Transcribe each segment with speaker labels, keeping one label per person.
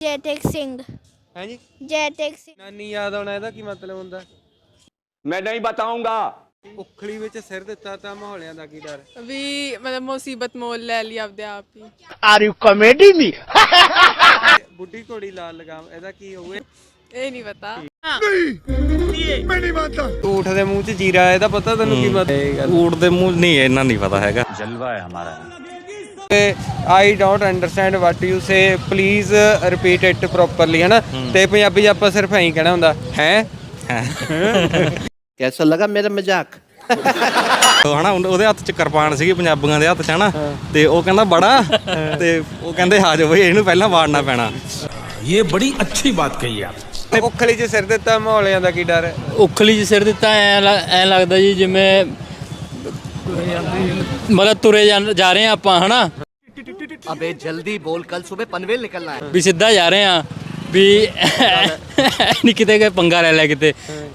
Speaker 1: जयटेक सिंह
Speaker 2: है जी।
Speaker 1: जयटेक सिंह
Speaker 2: नानी याद आना ਇਹਦਾ ਕੀ ਮਤਲਬ ਹੁੰਦਾ?
Speaker 3: मैं नहीं बताऊंगा।
Speaker 2: ਉਖਲੀ ਵਿੱਚ ਸਿਰ ਦਿੱਤਾ ਤਾਂ ਮਾਹੌਲਿਆਂ ਦਾ ਕੀ ਡਰ?
Speaker 4: ਵੀ ਮਤਲਬ ਮੁਸੀਬਤ ਮੋਲ ਲੈ ਲਈ ਆਪਦੇ ਆਪ ਹੀ।
Speaker 3: Are you comedy me?
Speaker 2: ਬੁੱਢੀ ਘੋੜੀ ਲਾਲ ਲਗਾਮ ਇਹਦਾ ਕੀ ਹੋਵੇ?
Speaker 4: ਇਹ ਨਹੀਂ ਪਤਾ।
Speaker 2: ਊਠ ਦੇ ਮੂੰਹ 'ਚ ਜੀਰਾ ਇਹਦਾ ਪਤਾ ਤੈਨੂੰ ਕੀ ਮਤਲਬ?
Speaker 5: ਊਠ ਦੇ ਮੂੰਹ ਨਹੀਂ ਇਹਨਾਂ ਨਹੀਂ ਪਤਾ ਹੈਗਾ।
Speaker 3: जलवा है हमारा।
Speaker 2: I don't understand what you say please repeat it properly, ਹਨਾ? ਤੇ ਪੰਜਾਬੀ 'ਚ ਆਪਾਂ ਸਿਰਫ ਐਂ ਕਹਿਣਾ ਹੁੰਦਾ ਹੈ।
Speaker 3: कैसा लगा मेरा मजाक?
Speaker 5: ਉਹ ਹਨਾ ਉਹਦੇ ਹੱਥ 'ਚ ਕਿਰਪਾਨ ਸੀਗੀ ਪੰਜਾਬੀਆਂ ਦੇ ਹੱਥ 'ਚ, ਹਨਾ? ਤੇ ਉਹ ਕਹਿੰਦਾ ਬੜਾ, ਤੇ ਉਹ ਕਹਿੰਦੇ ਆ ਜਾਓ ਬਈ ਇਹਨੂੰ ਪਹਿਲਾਂ ਵਾੜਨਾ ਪੈਣਾ।
Speaker 6: ये बड़ी अच्छी बात कही आप।
Speaker 2: ਉਖਲੀ 'ਚ ਸਿਰ ਦਿੱਤਾ ਮਾਹੌਲਿਆਂ ਦਾ ਕੀ ਡਰ?
Speaker 7: ਉਖਲੀ 'ਚ ਸਿਰ ਦਿੱਤਾ ਐ ਲੱਗਦਾ ਜੀ ਜਿਵੇਂ ਮਤਲਬ ਤੁਰੇ ਜਾ ਰਹੇ ਆ ਆਪਾਂ, ਹਨਾ?
Speaker 3: अबे जल्दी बोल, कल सुबह पनवेल निकलना है।
Speaker 7: ਵੀ ਸਿੱਧਾ ਜਾ ਰਹੇ ਆ ਵੀ ਨਹੀਂ ਕਿਤੇ ਗਏ ਪੰਗਾ ਲੈ ਕਿਤੇ।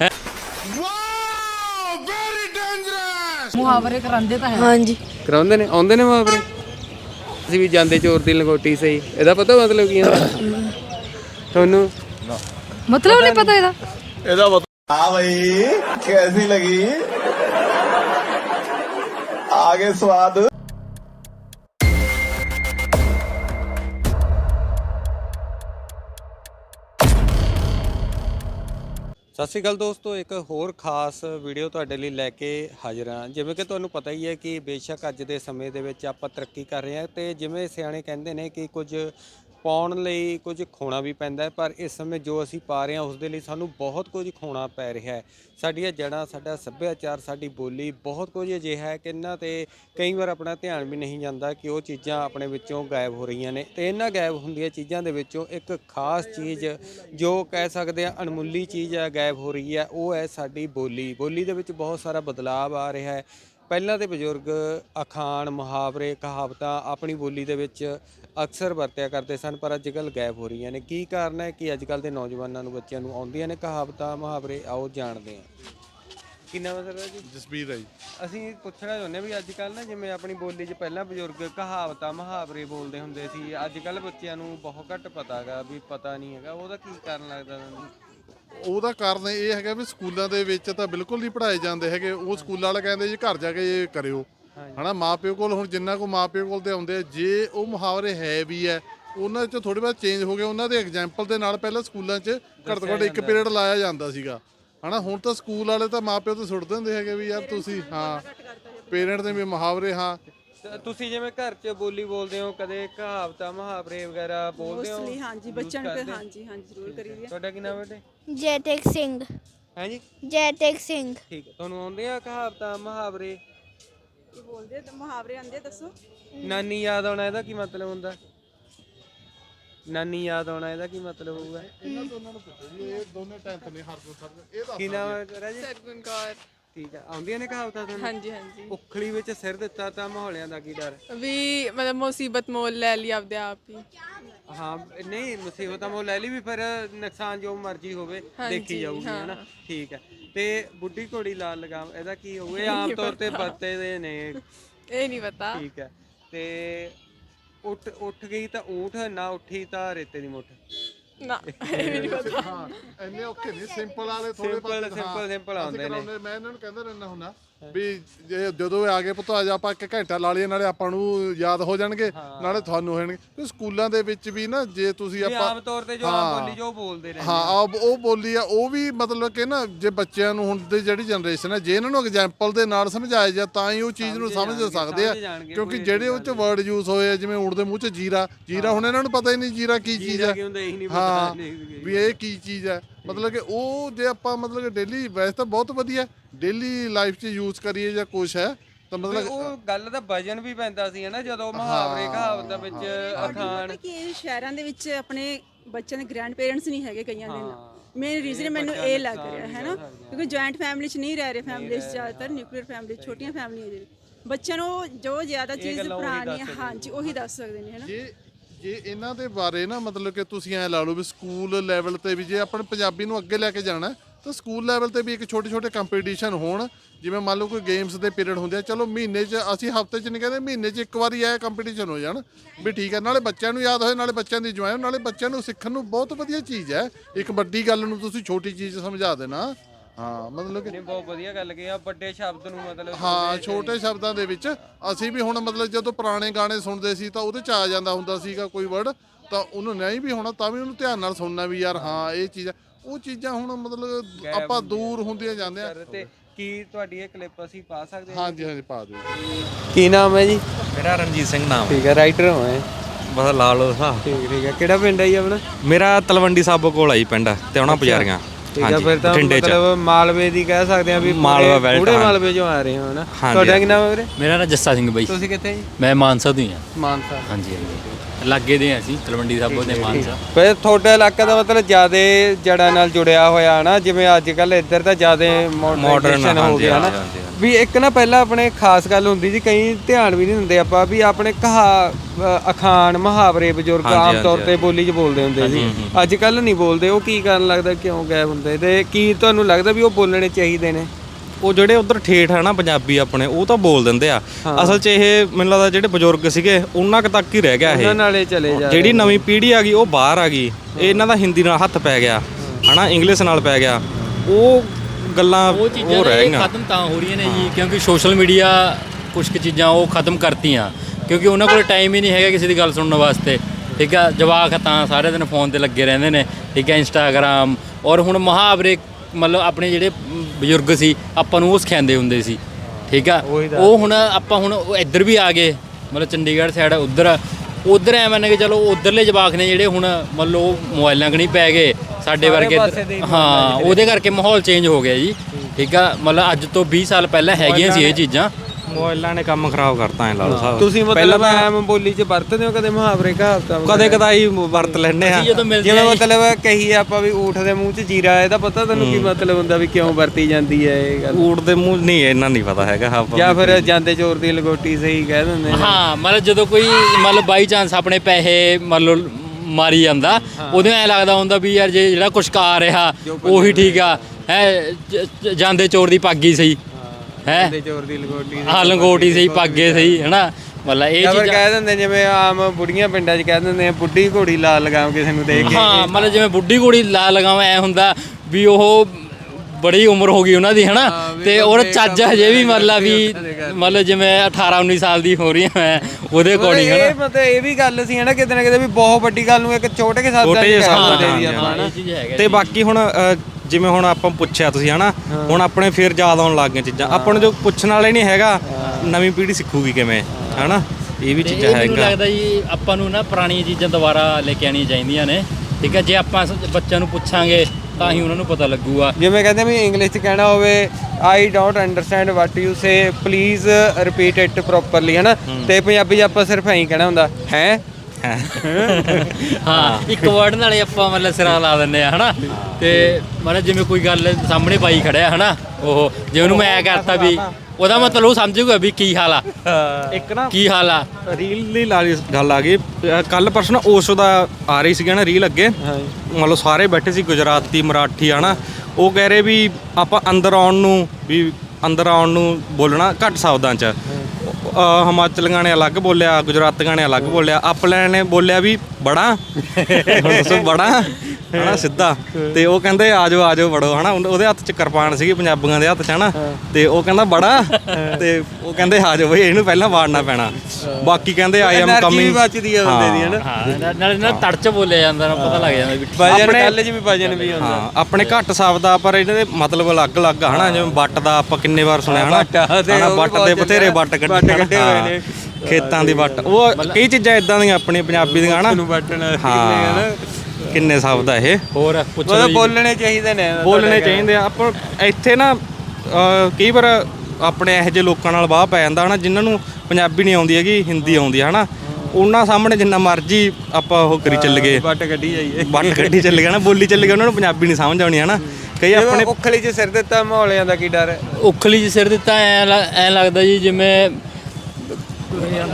Speaker 8: ਮੁਹਾਵਰੇ ਕਰਾਉਂਦੇ ਤਾਂ ਹੈ।
Speaker 1: ਹਾਂਜੀ
Speaker 2: ਕਰਾਉਂਦੇ ਨੇ, ਆਉਂਦੇ ਨੇ ਮੁਹਾਵਰੇ? ਅਸੀਂ ਵੀ ਜਾਂਦੇ ਚੋਰ ਦੀ ਲੰਗੋਟੀ ਸਹੀ, ਇਹਦਾ ਪਤਾ ਮਤਲਬ ਕੀ ਹੁੰਦਾ ਤੁਹਾਨੂੰ?
Speaker 8: ਮਤਲਬ ਨਹੀਂ ਪਤਾ ਇਹਦਾ।
Speaker 9: हाँ भाई, कैसी लगी? आगे स्वाद।
Speaker 2: ਸਤਿ ਸ਼੍ਰੀ ਅਕਾਲ ਦੋਸਤੋ, ਇੱਕ ਹੋਰ ਖਾਸ ਵੀਡੀਓ ਤੁਹਾਡੇ ਲਈ ਲੈ ਕੇ ਹਾਜ਼ਰ ਹਾਂ। ਜਿਵੇਂ ਕਿ ਤੁਹਾਨੂੰ ਪਤਾ ਹੀ ਹੈ ਕਿ ਬੇਸ਼ੱਕ ਅੱਜ ਦੇ ਸਮੇਂ ਦੇ ਵਿੱਚ ਆਪਾਂ ਤਰੱਕੀ ਕਰ ਰਹੇ ਹਾਂ, ਤੇ ਜਿਵੇਂ ਸਿਆਣੇ ਕਹਿੰਦੇ ਨੇ ਕਿ ਕੁਝ ਪਾਉਣ ਲਈ ਕੁਝ ਖੋਣਾ ਵੀ ਪੈਂਦਾ ਹੈ, ਪਰ ਇਸ ਸਮੇਂ ਜੋ ਅਸੀਂ ਪਾ ਰਹੇ ਹਾਂ ਉਸ ਦੇ ਲਈ ਸਾਨੂੰ ਬਹੁਤ ਕੁਝ ਖੋਣਾ ਪੈ ਰਿਹਾ ਹੈ। ਸਾਡੀਆਂ ਜੜ੍ਹਾਂ, ਸਾਡਾ ਸੱਭਿਆਚਾਰ, ਸਾਡੀ ਬੋਲੀ, ਬਹੁਤ ਕੁਝ ਅਜਿਹਾ ਹੈ ਕਿ ਇਹਨਾਂ 'ਤੇ ਕਈ ਵਾਰ ਆਪਣਾ ਧਿਆਨ ਵੀ ਨਹੀਂ ਜਾਂਦਾ ਕਿ ਉਹ ਚੀਜ਼ਾਂ ਆਪਣੇ ਵਿੱਚੋਂ ਗਾਇਬ ਹੋ ਰਹੀਆਂ ਨੇ। ਤੇ ਇਹਨਾਂ ਗਾਇਬ ਹੁੰਦੀਆਂ ਚੀਜ਼ਾਂ ਦੇ ਵਿੱਚੋਂ ਇੱਕ ਖਾਸ ਚੀਜ਼, ਜੋ ਕਹਿ ਸਕਦੇ ਆ ਅਣਮੁੱਲੀ ਚੀਜ਼ ਹੈ, ਗਾਇਬ ਹੋ ਰਹੀ ਹੈ, ਉਹ ਹੈ ਸਾਡੀ ਬੋਲੀ। ਬੋਲੀ ਦੇ ਵਿੱਚ ਬਹੁਤ ਸਾਰਾ ਬਦਲਾਅ ਆ ਰਿਹਾ ਹੈ। ਪਹਿਲਾਂ ਦੇ ਬਜ਼ੁਰਗ ਅਖਾਣ, ਮੁਹਾਵਰੇ, ਕਹਾਵਤਾਂ ਆਪਣੀ ਬੋਲੀ ਦੇ ਵਿੱਚ ਅਕਸਰ ਵਰਤਿਆ ਕਰਦੇ ਸਨ, ਪਰ ਅੱਜ ਕੱਲ੍ਹ ਗਾਇਬ ਹੋ ਰਹੀਆਂ ਨੇ। ਕੀ ਕਾਰਨ ਹੈ ਕਿ ਅੱਜ ਕੱਲ੍ਹ ਦੇ ਨੌਜਵਾਨਾਂ ਨੂੰ, ਬੱਚਿਆਂ ਨੂੰ ਆਉਂਦੀਆਂ ਨੇ ਕਹਾਵਤਾਂ, ਮੁਹਾਵਰੇ? ਆਓ ਜਾਣਦੇ ਹਾਂ। ਕੀ ਨਾਮ ਹੈ ਸਰ ਜੀ?
Speaker 10: ਜਸਬੀਰ ਹੈ ਜੀ।
Speaker 2: ਅਸੀਂ ਪੁੱਛਣਾ ਚਾਹੁੰਦੇ ਵੀ ਅੱਜ ਕੱਲ੍ਹ ਨਾ, ਜਿਵੇਂ ਆਪਣੀ ਬੋਲੀ 'ਚ ਪਹਿਲਾਂ ਬਜ਼ੁਰਗ ਕਹਾਵਤਾਂ, ਮੁਹਾਵਰੇ ਬੋਲਦੇ ਹੁੰਦੇ ਸੀ, ਅੱਜ ਕੱਲ੍ਹ ਬੱਚਿਆਂ ਨੂੰ ਬਹੁਤ ਘੱਟ ਪਤਾ ਹੈਗਾ, ਵੀ ਪਤਾ ਨਹੀਂ ਹੈਗਾ। ਉਹਦਾ ਕੀ ਕਾਰਨ ਲੱਗਦਾ ਤੁਹਾਨੂੰ?
Speaker 10: ਉਹਦਾ ਕਾਰਨ ਇਹ ਹੈਗਾ ਵੀ ਸਕੂਲਾਂ ਦੇ ਵਿੱਚ ਤਾਂ ਬਿਲਕੁਲ ਨਹੀਂ ਪੜ੍ਹਾਏ ਜਾਂਦੇ ਹੈਗੇ। ਉਹ ਸਕੂਲ ਵਾਲੇ ਕਹਿੰਦੇ ਜੀ ਘਰ ਜਾ ਕੇ ਇਹ ਕਰਿਓ, ਹਨਾ? ਮਾਂ ਪਿਓ ਕੋਲ ਹੁਣ ਜਿੰਨਾ ਕੋ ਮਾਂ ਪਿਓ ਕੋਲ ਤੇ ਆਉਂਦੇ ਆ, ਜੇ ਉਹ ਮੁਹਾਵਰੇ ਹੈ ਵੀ ਹੈ, ਉਹਨਾਂ 'ਚ ਥੋੜ੍ਹੇ ਬਹੁਤ ਚੇਂਜ ਹੋ ਗਏ। ਉਹਨਾਂ ਦੇ ਐਗਜ਼ਾਮਪਲ ਦੇ ਨਾਲ ਪਹਿਲਾਂ ਸਕੂਲਾਂ 'ਚ ਘੱਟ ਤੋਂ ਘੱਟ ਇੱਕ ਪੀਰੀਅਡ ਲਾਇਆ ਜਾਂਦਾ ਸੀਗਾ, ਹਨਾ? ਹੁਣ ਤਾਂ ਸਕੂਲ ਵਾਲੇ ਤਾਂ ਮਾਂ ਪਿਓ ਤੋਂ ਸੁੱਟ ਦਿੰਦੇ ਹੈਗੇ ਵੀ ਯਾਰ ਤੁਸੀਂ, ਹਾਂ, ਪੇਰੈਂਟ ਦੇ ਵੀ ਮੁਹਾਵਰੇ। ਹਾਂ,
Speaker 2: ਤੁਸੀਂ ਜਿਵੇਂ ਘਰ 'ਚ ਬੋਲੀ ਬੋਲਦੇ ਹੋ, ਕਦੇ ਕਹਾਵਤਾਂ, ਮੁਹਾਵਰੇ ਵਗੈਰਾ ਬੋਲਦੇ ਹੋ?
Speaker 4: ਹਾਂਜੀ, ਬੱਚਿਆਂ ਨੂੰ ਹਾਂਜੀ ਜ਼ਰੂਰ ਕਰੀਏ।
Speaker 2: ਤੁਹਾਡਾ ਕੀ ਨਾਮ ਹੈ ਬੇਟੇ?
Speaker 1: जयटेक सिंह
Speaker 2: ਹੈ ਜੀ।
Speaker 1: जयटेक सिंह
Speaker 2: ਠੀਕ ਹੈ, ਤੁਹਾਨੂੰ ਆਉਂਦੇ ਆ ਕਹਾਵਤਾਂ, ਮੁਹਾਵਰੇ?
Speaker 4: ਕੀ ਬੋਲਦੇ ਮੁਹਾਵਰੇ ਆਂਦੇ ਦੱਸੋ?
Speaker 2: ਨਾਨੀ ਯਾਦ ਆਉਣਾ ਇਹਦਾ ਕੀ ਮਤਲਬ ਹੁੰਦਾ? ਨਾਨੀ ਯਾਦ ਆਉਣਾ ਇਹਦਾ ਕੀ ਮਤਲਬ ਹੋਊਗਾ?
Speaker 10: ਇਹਨਾਂ ਦੋਨਾਂ ਨੂੰ ਪੁੱਛੋ ਜੀ, ਇਹ ਦੋਨੇ 10th ਨੇ, ਇਹ ਦੱਸ।
Speaker 2: ਕੀ ਨਾਮ ਹੈ ਤੇਰਾ ਜੀ?
Speaker 4: ਸਰਗੁਣ ਕੌਰ।
Speaker 2: ਠੀਕ ਹੈ, ਆਉਂਦੀਆਂ ਨੇ ਕਹਾਵਤਾਂ ਤੁਹਾਨੂੰ?
Speaker 4: ਹਾਂਜੀ ਹਾਂਜੀ।
Speaker 2: ਉਖਲੀ ਵਿੱਚ ਸਿਰ ਦਿੱਤਾ ਤਾਂ ਮਾਹੌਲਿਆਂ ਦਾ ਕੀ ਡਰ?
Speaker 4: ਵੀ ਮਤਲਬ ਮੁਸੀਬਤ ਮੋਲ ਲੈ ਲਈ ਆਪਦੇ ਆਪ ਹੀ।
Speaker 2: ਹਾਂ, ਨਹੀਂ ਮੁਸੀਬਤਾਂ ਮੋ ਲੈ ਲਈ, ਵੀ ਫਿਰ ਨੁਕਸਾਨ ਜੋ ਮਰਜ਼ੀ ਹੋਵੇ ਦੇਖੀ ਜਾਊਗੀ, ਹਨਾ? ਠੀਕ ਹੈ। ਤੇ ਬੁੱਢੀ ਘੋੜੀ ਲਾਲ ਲਗਾਮ ਇਹਦਾ ਕੀ ਹੋਊ? ਇਹ ਆਮ ਤੌਰ ਤੇ ਵਰਤੇ ਦੇ ਨੇ।
Speaker 4: ਇਹ ਨਹੀਂ ਪਤਾ।
Speaker 2: ਠੀਕ ਹੈ। ਤੇ ਉੱਠ ਗਈ ਤਾਂ ਊਠ, ਨਾ ਉੱਠੀ ਤਾਂ ਰੇਤੇ ਦੀ ਮੁੱਠ।
Speaker 4: ਨਾ ਇਹ ਵੀ ਨਹੀਂ ਪਤਾ।
Speaker 10: ਹਾਂ, ਇੰਨੇ ਔਖੇ ਨਹੀਂ, ਸਿੰਪਲ ਵਾਲੇ ਥੋੜੇ
Speaker 2: ਸਿੰਪਲ ਆਉਂਦੇ ਨੇ।
Speaker 10: ਮੈਂ ਇਹਨਾਂ ਨੂੰ ਕਹਿੰਦਾ ਰਹਿੰਦਾ ਹੁੰਦਾ ਵੀ ਜਦੋਂ ਇਹ ਆ ਗਏ ਪੁੱਤ ਆ ਜਾ, ਆਪਾਂ 1 ਘੰਟਾ ਲਾ ਲਈਏ, ਨਾਲੇ ਆਪਾਂ ਨੂੰ ਯਾਦ ਹੋ ਜਾਣਗੇ, ਨਾਲੇ ਤੁਹਾਨੂੰ ਹੋਣਗੇ। ਤੇ ਸਕੂਲਾਂ ਦੇ ਵਿੱਚ ਵੀ ਨਾ, ਜੇ ਤੁਸੀਂ ਆਪਾਂ
Speaker 2: ਆਮ ਤੌਰ ਤੇ ਜੋ ਆਮ ਬੋਲੀ ਜੋ ਬੋਲਦੇ ਨੇ,
Speaker 10: ਹਾਂ, ਉਹ ਬੋਲੀ ਆ, ਉਹ ਵੀ ਮਤਲਬ ਕਿ ਨਾ, ਜੇ ਬੱਚਿਆਂ ਨੂੰ ਹੁਣ ਦੀ ਜਿਹੜੀ ਜਨਰੇਸ਼ਨ ਹੈ, ਜੇ ਇਹਨਾਂ ਨੂੰ ਐਗਜ਼ਾਮਪਲ ਦੇ ਨਾਲ ਸਮਝਾਇਆ ਜਾ ਤਾਂ ਹੀ ਉਹ ਚੀਜ਼ ਨੂੰ ਸਮਝ ਸਕਦੇ ਆ। ਕਿਉਂਕਿ ਜਿਹੜੇ ਉਹ 'ਚ ਵਰਡ ਯੂਜ਼ ਹੋਏ ਆ, ਜਿਵੇਂ ਊਠ ਦੇ ਮੂੰਹ 'ਚ ਜੀਰਾ, ਹੁਣ ਇਹਨਾਂ ਨੂੰ ਪਤਾ ਹੀ ਨਹੀਂ ਜੀਰਾ ਕੀ ਚੀਜ਼ ਹੈ। ਹਾਂ, ਵੀ ਇਹ ਕੀ ਚੀਜ਼ ਹੈ। ਮਤਲਬ ਕਿ ਉਹ ਜੇ ਆਪਾਂ ਮਤਲਬ ਕਿ ਡੇਲੀ, ਵੈਸੇ ਤਾਂ ਬਹੁਤ ਵਧੀਆ ਡੇਲੀ ਲਾਈਫ 'ਚ ਯੂਜ਼ ਕਰੀਏ ਜਾਂ ਕੁਛ ਹੈ, ਤਾਂ ਮਤਲਬ
Speaker 2: ਉਹ ਗੱਲ ਦਾ ਵਜਨ ਵੀ ਪੈਂਦਾ ਸੀ, ਹਨਾ? ਜਦੋਂ ਮੁਹਾਵਰੇ, ਕਹਾਵਤਾਂ ਵਿੱਚ ਅਖਾਣ।
Speaker 4: ਕਿ ਸ਼ਹਿਰਾਂ ਦੇ ਵਿੱਚ ਆਪਣੇ ਬੱਚਿਆਂ ਦੇ ਗ੍ਰੈਂਡ ਪੇਰੈਂਟਸ ਨਹੀਂ ਹੈਗੇ ਕਈਆਂ ਦੇ ਨਾਲ। ਮੇਨ ਰੀਜ਼ਨ ਮੈਨੂੰ ਇਹ ਲੱਗ ਰਿਹਾ ਹੈ ਨਾ, ਕਿਉਂਕਿ ਜੁਆਇੰਟ ਫੈਮਿਲੀ 'ਚ ਨਹੀਂ ਰਹਿ ਰਹੇ, ਫੈਮਿਲੀ 'ਚ ਜ਼ਿਆਦਾਤਰ ਨਿਊਕਲੀਅਰ ਫੈਮਿਲੀ, ਛੋਟੀਆਂ ਫੈਮਲੀਆਂ ਜਿਹੜੇ ਬੱਚਿਆਂ ਨੂੰ ਜੋ ਜ਼ਿਆਦਾ ਚੀਜ਼ ਪੁਰਾਣੀ, ਹਾਂਜੀ, ਉਹੀ ਦੱਸ ਸਕਦੇ ਨੇ, ਹਨਾ?
Speaker 10: ਜੇ ਇਹਨਾਂ ਦੇ ਬਾਰੇ ਨਾ, ਮਤਲਬ ਕਿ ਤੁਸੀਂ ਐ ਲਾ ਲਓ ਵੀ ਸਕੂਲ ਲੈਵਲ ਤੇ ਵੀ ਜੇ ਆਪਣੇ ਪੰਜਾਬੀ ਨੂੰ ਅੱਗੇ ਲੈ ਕੇ ਜਾਣਾ, ਤਾਂ ਸਕੂਲ ਲੈਵਲ ਤੇ ਵੀ ਇੱਕ ਛੋਟੇ ਕੰਪੀਟੀਸ਼ਨ ਹੋਣ। ਜਿਵੇਂ ਮੰਨ ਲਓ ਕੋਈ ਗੇਮਸ ਦੇ ਪੀਰੀਅਡ ਹੁੰਦੇ ਆ, ਚਲੋ ਮਹੀਨੇ 'ਚ ਅਸੀਂ ਹਫਤੇ 'ਚ ਨਹੀਂ ਕਹਿੰਦੇ, ਮਹੀਨੇ 'ਚ ਇੱਕ ਵਾਰੀ ਇਹ ਕੰਪੀਟੀਸ਼ਨ ਹੋ ਜਾਣ ਵੀ ਠੀਕ ਹੈ। ਨਾਲੇ ਬੱਚਿਆਂ ਨੂੰ ਯਾਦ ਹੋਏ, ਨਾਲੇ ਬੱਚਿਆਂ ਦੀ ਇੰਜੋਏ, ਨਾਲੇ ਬੱਚਿਆਂ ਨੂੰ ਸਿੱਖਣ ਨੂੰ ਬਹੁਤ ਵਧੀਆ ਚੀਜ਼ ਹੈ। ਇੱਕ ਵੱਡੀ ਗੱਲ ਨੂੰ ਤੁਸੀਂ ਛੋਟੀ ਚੀਜ਼ ਸਮਝਾ ਦੇਣਾ। ਹਾਂ ਮਤਲਬ ਕਿ
Speaker 2: ਬਹੁਤ ਵਧੀਆ ਗੱਲ ਕਹੀ ਆ, ਵੱਡੇ ਸ਼ਬਦ ਨੂੰ ਮਤਲਬ
Speaker 10: ਹਾਂ ਛੋਟੇ ਸ਼ਬਦਾਂ ਦੇ ਵਿੱਚ। ਅਸੀਂ ਵੀ ਹੁਣ ਮਤਲਬ ਜਦੋਂ ਪੁਰਾਣੇ ਗਾਣੇ ਸੁਣਦੇ ਸੀ ਤਾਂ ਉਹਦੇ 'ਚ ਆ ਜਾਂਦਾ ਹੁੰਦਾ ਸੀਗਾ ਕੋਈ ਵਰਡ, ਤਾਂ ਉਹਨੂੰ ਨਹੀਂ ਵੀ ਹੋਣਾ ਤਾਂ ਵੀ ਉਹਨੂੰ ਧਿਆਨ ਨਾਲ ਸੁਣਨਾ ਵੀ ਯਾਰ ਹਾਂ ਇਹ ਚੀਜ਼, ਉਹ ਚੀਜ਼ਾਂ ਹੁਣ ਮਤਲਬ ਆਪਾਂ ਦੂਰ ਹੁੰਦੀਆਂ ਜਾਂਦੇ ਆ।
Speaker 2: ਤੇ ਕੀ ਤੁਹਾਡੀ ਇਹ ਕਲਿੱਪ ਅਸੀਂ ਪਾ ਸਕਦੇ ਹਾਂ?
Speaker 10: ਹਾਂਜੀ ਪਾ ਦਿਓ।
Speaker 2: ਕੀ ਨਾਮ ਹੈ ਜੀ?
Speaker 5: ਮੇਰਾ ਰਣਜੀਤ ਸਿੰਘ ਨਾਮ।
Speaker 2: ਠੀਕ ਹੈ, ਰਾਈਟਰ ਹੋ ਹੈ?
Speaker 5: ਬਸ ਲਾ ਲਓ ਹਿਸਾਬ।
Speaker 2: ਠੀਕ ਹੈ। ਕਿਹੜਾ ਪਿੰਡ ਹੈ ਜੀ ਆਪਣਾ?
Speaker 5: ਮੇਰਾ ਤਲਵੰਡੀ ਸਾਬੋ ਕੋਲ ਆਈ ਪਿੰਡ ਤੇ ਉਹਨਾਂ ਪੁਜਾਰੀਆਂ।
Speaker 2: ਠੀਕ ਹੈ, ਫਿਰ ਤਾਂ ਮਤਲਬ ਮਾਲਵੇ ਦੀ ਕਹਿ ਸਕਦੇ ਆ ਵੀ
Speaker 5: ਮਾਲਵਾ ਬੈਲਟ,
Speaker 2: ਪੂਰੇ ਮਾਲਵੇ ਚੋਂ ਆ ਰਹੇ ਹੋ ਨਾ। ਤੁਹਾਡਾ ਕੀ ਨਾਮ ਹੈ ਵੀਰੇ?
Speaker 7: ਮੇਰਾ ਨਾਮ ਜੱਸਾ ਸਿੰਘ ਬਾਈ।
Speaker 2: ਤੁਸੀਂ ਕਿੱਥੇ ਜੀ?
Speaker 7: ਮੈਂ ਮਾਨਸਾ ਤੋਂ ਹੀ ਹਾਂ।
Speaker 2: ਮਾਨਸਾ।
Speaker 7: ਹਾਂਜੀ ਲਾਗੇ ਦੇ ਹਾਂ ਅਸੀਂ, ਤਲਵੰਡੀ ਸਾਬੋ ਤੇ ਮਾਨਸਾ।
Speaker 2: ਫਿਰ ਤੁਹਾਡਾ ਇਲਾਕਾ ਦਾ ਮਤਲਬ ਜ਼ਿਆਦਾ ਜੜ੍ਹਾਂ ਨਾਲ ਜੁੜਿਆ ਹੋਇਆ ਨਾ, ਜਿਵੇਂ ਅੱਜ ਕੱਲ ਇੱਧਰ ਤਾਂ ਜ਼ਿਆਦਾ ਮਾਡਰਨ ਹੋ ਗਿਆ ਨਾ। ਵੀ ਇੱਕ ਨਾ ਪਹਿਲਾਂ ਆਪਣੇ ਖਾਸ ਗੱਲ ਹੁੰਦੀ ਸੀ, ਕਈ ਧਿਆਨ ਵੀ ਨਹੀਂ ਦਿੰਦੇ ਆਪਾਂ, ਵੀ ਆਪਣੇ ਅਖਾਣ ਮੁਹਾਵਰੇ ਬਜ਼ੁਰਗ ਆਮ ਤੌਰ ਤੇ ਬੋਲੀ 'ਚ ਬੋਲਦੇ ਹੁੰਦੇ ਸੀ, ਅੱਜ ਕੱਲ ਨਹੀਂ ਬੋਲਦੇ। ਉਹ ਕੀ ਕਾਰਨ ਲੱਗਦਾ, ਕਿਉਂ ਗਾਇਬ ਹੁੰਦੇ, ਤੇ ਕੀ ਤੁਹਾਨੂੰ ਲੱਗਦਾ ਵੀ ਉਹ ਬੋਲਣੇ ਚਾਹੀਦੇ ਨੇ?
Speaker 5: ਉਹ ਜਿਹੜੇ ਉਧਰ ਠੇਠ ਹੈ ਨਾ ਪੰਜਾਬੀ ਆਪਣੇ, ਉਹ ਤਾਂ ਬੋਲ ਦਿੰਦੇ ਆ। ਅਸਲ 'ਚ ਇਹ ਮੈਨੂੰ ਲੱਗਦਾ ਜਿਹੜੇ ਬਜ਼ੁਰਗ ਸੀਗੇ ਉਹਨਾਂ ਤੱਕ ਹੀ ਰਹਿ ਗਿਆ ਇਹ।
Speaker 2: ਉਹਨਾਂ ਨਾਲੇ ਚਲੇ ਜਾ
Speaker 5: ਜਿਹੜੀ ਨਵੀਂ ਪੀੜ੍ਹੀ ਆ ਗਈ ਉਹ ਬਾਹਰ ਆ ਗਈ। ਇਹਨਾਂ ਦਾ ਹਿੰਦੀ ਨਾਲ ਹੱਥ ਪੈ ਗਿਆ ਹਨਾ, ਇੰਗਲਿਸ਼ ਨਾਲ ਪੈ ਗਿਆ। ਉਹ ਗੱਲਾਂ
Speaker 7: ਉਹ ਚੀਜ਼ਾਂ
Speaker 5: ਰਹਿ ਗਈਆਂ।
Speaker 7: ਖਤਮ ਤਾਂ ਹੋ ਰਹੀਆਂ ਨੇ ਜੀ, ਕਿਉਂਕਿ ਸੋਸ਼ਲ ਮੀਡੀਆ ਕੁਝ ਕੁ ਚੀਜ਼ਾਂ ਉਹ ਖਤਮ ਕਰਤੀਆਂ, ਕਿਉਂਕਿ ਉਹਨਾਂ ਕੋਲ ਟਾਈਮ ਹੀ ਨਹੀਂ ਹੈਗਾ ਕਿਸੇ ਦੀ ਗੱਲ ਸੁਣਨ ਵਾਸਤੇ। ਠੀਕ ਆ, ਜਵਾਕ ਤਾਂ ਸਾਰੇ ਦਿਨ ਫੋਨ ਤੇ ਲੱਗੇ ਰਹਿੰਦੇ ਨੇ। ਠੀਕ ਹੈ, ਇੰਸਟਾਗ੍ਰਾਮ। ਔਰ ਹੁਣ ਮੁਹਾਵਰੇ ਮਤਲਬ ਆਪਣੇ ਜਿਹੜੇ ਬਜ਼ੁਰਗ ਸੀ ਆਪਾਂ ਨੂੰ ਉਹ ਸਿਖਾਉਂਦੇ ਹੁੰਦੇ ਸੀ। ਠੀਕ ਆ, ਉਹ ਹੁਣ ਆਪਾਂ ਹੁਣ ਇੱਧਰ ਵੀ ਆ ਗਏ, ਮਤਲਬ ਚੰਡੀਗੜ੍ਹ ਸਾਈਡ ਉੱਧਰ ਐ ਮੰਨ ਕੇ ਚਲੋ ਉੱਧਰਲੇ ਜਵਾਕ ਨੇ ਜਿਹੜੇ ਹੁਣ ਮੰਨ ਲਓ ਮੋਬਾਈਲਾਂ ਕਣੀ ਪੈ ਗਏ ਸਾਡੇ ਵਰਗੇ। ਹਾਂ, ਉਹਦੇ ਕਰਕੇ ਮਾਹੌਲ ਚੇਂਜ ਹੋ ਗਿਆ ਜੀ। ਠੀਕ ਆ, ਮਤਲਬ ਅੱਜ ਤੋਂ 20 ਸਾਲ ਪਹਿਲਾਂ ਹੈਗੀਆਂ ਸੀ ਇਹ ਚੀਜ਼ਾਂ।
Speaker 5: ਮੋਬਾਈਲਾਂ ਨੇ ਕੰਮ ਖਰਾਬ ਕਰਤਾ ਐ ਲਾ ਲਓ ਸਾਹਿਬ।
Speaker 2: ਤੁਸੀਂ ਮਤਲਬ ਆਮ ਬੋਲੀ 'ਚ ਵਰਤਦੇ ਹੋ ਕਦੇ ਮੁਹਾਵਰੇ ਕਹਾਵਤਾਂ?
Speaker 5: ਕਦੇ ਕਦਾਈ ਵਰਤ ਲੈਂਦੇ ਆ।
Speaker 2: ਜਿਵੇਂ ਮਤਲਬ ਕਹੀਏ ਆਪਾਂ ਵੀ ਊਠ ਦੇ ਮੂੰਹ 'ਚ ਜੀਰਾ, ਇਹਦਾ ਪਤਾ ਤੁਹਾਨੂੰ ਕੀ ਮਤਲਬ ਹੁੰਦਾ, ਵੀ ਕਿਉਂ ਵਰਤੀ ਜਾਂਦੀ ਹੈ ਇਹ ਗੱਲ?
Speaker 5: ਊਠ ਦੇ ਮੂੰਹ ਨਹੀਂ, ਇਹਨਾਂ ਨਹੀਂ ਪਤਾ ਹੈਗਾ।
Speaker 2: ਜਾਂ ਫਿਰ ਜਾਂਦੇ ਚੋਰ ਦੀ ਲਗੋਟੀ ਸਹੀ ਕਹਿ ਦਿੰਦੇ ਨੇ।
Speaker 7: ਹਾਂ, ਮਤਲਬ ਜਦੋਂ ਕੋਈ ਮਤਲਬ ਬਾਈ ਚਾਂਸ ਆਪਣੇ ਪੈਸੇ ਮਤਲਬ ਮਾਰੀ ਜਾਂਦਾ, ਉਹਦੇ ਐਂ ਲੱਗਦਾ ਹੁੰਦਾ ਵੀ ਯਾਰ ਜੇ ਜਿਹੜਾ ਕੁਛ ਆ ਰਿਹਾ ਉਹੀ ਠੀਕ ਆ। ਹੈ ਜਾਂਦੇ ਚੋਰ ਦੀ ਪੱਗ ਹੀ ਸਹੀ ਹੈ,
Speaker 2: ਚੋਰ ਦੀ ਲਗੋਟੀ।
Speaker 7: ਹਾਂ, ਲੰਗੋਟੀ ਸਹੀ, ਪੱਗੇ ਸਹੀ ਹੈ ਨਾ। ਮਤਲਬ ਇਹ
Speaker 2: ਚੀਜ਼ਾਂ ਕਹਿ ਦਿੰਦੇ, ਜਿਵੇਂ ਆਮ ਬੁੜੀਆਂ ਪਿੰਡਾਂ 'ਚ ਕਹਿ ਦਿੰਦੇ ਆ ਬੁੱਢੀ ਘੋੜੀ ਲਾ ਲਗਾਮ ਕਿਸੇ ਨੂੰ ਦੇਖ ਕੇ।
Speaker 7: ਹਾਂ, ਮਤਲਬ ਜਿਵੇਂ ਬੁੱਢੀ ਘੋੜੀ ਲਾ ਲਗਾਵਾਂ, ਐ ਹੁੰਦਾ ਵੀ ਉਹ ਬੜੀ ਉਮਰ ਹੋ ਗਈ ਉਹਨਾਂ ਦੀ ਹਨਾ, ਤੇ ਉਹ ਚੱਜ ਹਜੇ ਵੀ ਮਤਲਬ ਜਿਵੇਂ 18-19 ਸਾਲ ਦੀ ਹੋ ਰਹੀ ਹੈ ਉਹਦੇ ਅਕੋਰਡਿੰਗ ਹਨਾ।
Speaker 2: ਮਤਲਬ ਇਹ ਵੀ ਗੱਲ ਸੀ ਹਨਾ, ਕਿਤੇ ਨਾ ਕਿਤੇ ਵੀ ਬਹੁਤ ਵੱਡੀ ਗੱਲ ਨੂੰ ਇੱਕ ਛੋਟੇ ਕੇ ਸਾਥ
Speaker 5: ਤੇ ਬਾਕੀ ਹੁਣ ਜਿਵੇਂ ਹੁਣ ਆਪਾਂ ਪੁੱਛਿਆ ਤੁਸੀਂ ਹਨਾ, ਹੁਣ ਆਪਣੇ ਫਿਰ ਯਾਦ ਆਉਣ ਲੱਗ ਗਈਆਂ ਚੀਜ਼ਾਂ। ਆਪਾਂ ਨੂੰ ਜੋ ਪੁੱਛਣ ਵਾਲੇ ਨਹੀਂ ਹੈਗਾ, ਨਵੀਂ ਪੀੜ੍ਹੀ ਸਿੱਖੂਗੀ ਕਿਵੇਂ ਹਨਾ? ਇਹ ਵੀ ਚੀਜ਼ਾਂ ਹੈਗਾ।
Speaker 7: ਮੈਨੂੰ ਲੱਗਦਾ ਜੀ ਆਪਾਂ ਨੂੰ ਨਾ ਪੁਰਾਣੀਆਂ ਚੀਜ਼ਾਂ ਦੁਬਾਰਾ ਲੈ ਕੇ ਆਉਣੀਆਂ ਚਾਹੀਦੀਆਂ ਨੇ। ਠੀਕ ਹੈ, ਜੇ ਆਪਾਂ ਬੱਚਿਆਂ ਨੂੰ ਪੁੱਛਾਂਗੇ ਤਾਂ ਹੀ ਉਹਨਾਂ ਨੂੰ ਪਤਾ ਲੱਗੂਗਾ।
Speaker 2: ਜਿਵੇਂ ਕਹਿੰਦੇ ਵੀ ਇੰਗਲਿਸ਼ 'ਚ ਕਹਿਣਾ ਹੋਵੇ, I don't understand what you say, please repeat it properly ਹਨਾ, ਤੇ ਪੰਜਾਬੀ 'ਚ ਆਪਾਂ ਸਿਰਫ ਐਂ ਕਹਿਣਾ ਹੁੰਦਾ ਹੈ।
Speaker 7: ਹਾਂ, ਇੱਕ ਵਰਡ ਨਾਲੇ ਆਪਾਂ ਮਤਲਬ ਸਿਰਾ ਲਾ ਦਿੰਦੇ ਆ ਹਨਾ। ਤੇ ਮਤਲਬ ਜਿਵੇਂ ਕੋਈ ਗੱਲ ਸਾਹਮਣੇ ਪਾਈ ਖੜਿਆ ਹਨਾ, ਉਹ ਜੇ ਉਹਨੂੰ ਮੈਂ ਕਰਤਾ ਵੀ ਉਹਦਾ ਮਤਲਬ ਉਹ ਸਮਝੂਗਾ ਵੀ ਕੀ ਹਾਲ ਆ।
Speaker 5: ਇੱਕ ਨਾ
Speaker 7: ਕੀ ਹਾਲ ਆ
Speaker 5: ਰੀਲ ਦੀ ਗੱਲ ਆ ਗਈ ਕੱਲ ਪਰਸੋਂ, ਉਸ ਦਾ ਆ ਰਹੀ ਸੀਗਾ ਨਾ ਰੀਲ ਅੱਗੇ। ਮੰਨ ਲਓ ਸਾਰੇ ਬੈਠੇ ਸੀ ਗੁਜਰਾਤੀ ਮਰਾਠੀ ਹਨਾ, ਉਹ ਕਹਿ ਰਹੇ ਵੀ ਆਪਾਂ ਅੰਦਰ ਆਉਣ ਨੂੰ ਬੋਲਣਾ ਘੱਟ ਸ਼ਬਦਾਂ 'ਚ। ਹਿਮਾਚਲੀਆਂ ਨੇ ਅਲੱਗ ਬੋਲਿਆ, ਗੁਜਰਾਤੀਆਂ ਨੇ ਅਲੱਗ ਬੋਲਿਆ, ਆਪਲਿਆਂ ਨੇ ਬੋਲਿਆ ਵੀ ਬੜਾ। ਹੁਣ ਦੱਸੋ ਬੜਾ ਹਨਾ ਸਿੱਧਾ। ਤੇ ਉਹ ਕਹਿੰਦੇ ਆਜੋ ਵੜੋ ਹਨਾ, ਉਹਦੇ ਹੱਥ 'ਚ ਕਿਰਪਾਨ ਸੀਗੀ ਪੰਜਾਬੀਆਂ ਦੇ ਹੱਥ 'ਚ ਹਨਾ, ਤੇ ਉਹ ਕਹਿੰਦਾ ਬੜਾ, ਤੇ ਉਹ ਕਹਿੰਦੇ ਆਜੋ ਬਈ ਇਹਨੂੰ ਪਹਿਲਾਂ ਵਾੜਨਾ ਪੈਣਾ। ਬਾਕੀ ਕਹਿੰਦੇ ਆਈ ਐਮ ਕਮਿੰਗ
Speaker 2: ਬਚਦੀ ਆ ਬੰਦੇ ਦੀ ਹਨਾ।
Speaker 7: ਹਾਂ, ਨਾਲੇ ਤੜਚ ਬੋਲਿਆ ਜਾਂਦਾ, ਪਤਾ ਲੱਗ ਜਾਂਦਾ ਵੀ
Speaker 2: ਵਜਨ ਕੱਲ 'ਚ ਵੀ ਵਜਨ ਵੀ ਹੁੰਦਾ।
Speaker 5: ਹਾਂ, ਆਪਣੇ ਘੱਟ ਸ਼ਬਦ ਆ ਪਰ ਇਹਨਾਂ ਦੇ ਮਤਲਬ ਅਲੱਗ-ਅਲੱਗ ਹਨਾ। ਜਿਵੇਂ ਬੱਟ ਦਾ ਆਪਾਂ ਕਿੰਨੇ ਵਾਰ ਸੁਣਿਆ ਹਨਾ, ਬੱਟ ਦੇ ਬਥੇਰੇ ਬੱਟ ਕੱਢੇ ਹੋਏ ਨੇ, ਖੇਤਾਂ ਦੀ ਬੱਟ। ਉਹ ਕਈ ਚੀਜ਼ਾਂ ਇਦਾਂ ਦੀਆਂ ਆਪਣੀ ਪੰਜਾਬੀ ਦੀਆਂ ਹਨਾ। ਹਾਂ, ਕਿੰਨੇ ਸ਼ਬਦ ਆ ਇਹ।
Speaker 7: ਹੋਰ
Speaker 2: ਬੋਲਣੇ ਚਾਹੀਦੇ ਨੇ,
Speaker 5: ਬੋਲਣੇ ਚਾਹੀਦੇ ਆ। ਆਪਾਂ ਇੱਥੇ ਨਾ ਕਈ ਵਾਰ ਆਪਣੇ ਇਹੋ ਜਿਹੇ ਲੋਕਾਂ ਨਾਲ ਵਾਹ ਪੈ ਜਾਂਦਾ ਹਨਾ, ਜਿਨ੍ਹਾਂ ਨੂੰ ਪੰਜਾਬੀ ਨਹੀਂ ਆਉਂਦੀ ਹੈਗੀ, ਹਿੰਦੀ ਆਉਂਦੀ ਹੈ ਹਨਾ। ਉਹਨਾਂ ਸਾਹਮਣੇ ਜਿੰਨਾ ਮਰਜ਼ੀ ਆਪਾਂ ਉਹ ਕਰੀ ਚੱਲ ਗਏ,
Speaker 2: ਬੱਟ ਕੱਢੀ ਜਾਈਏ,
Speaker 5: ਬੱਟ ਕੱਢੀ ਚੱਲ ਗਏ ਨਾ, ਬੋਲੀ ਚੱਲ ਗਏ, ਉਹਨਾਂ ਨੂੰ ਪੰਜਾਬੀ ਨਹੀਂ ਸਮਝ ਆਉਣੀ ਹਨਾ। ਕਈ ਆਪਣੇ
Speaker 2: ਉਖਲੀ 'ਚ ਸਿਰ ਦਿੱਤਾ ਮਾਹੌਲਿਆਂ ਦਾ ਕੀ ਡਰ ਹੈ?
Speaker 7: ਉਖਲੀ 'ਚ ਸਿਰ ਦਿੱਤਾ ਐਂ ਲੱਗਦਾ ਜੀ ਜਿਵੇਂ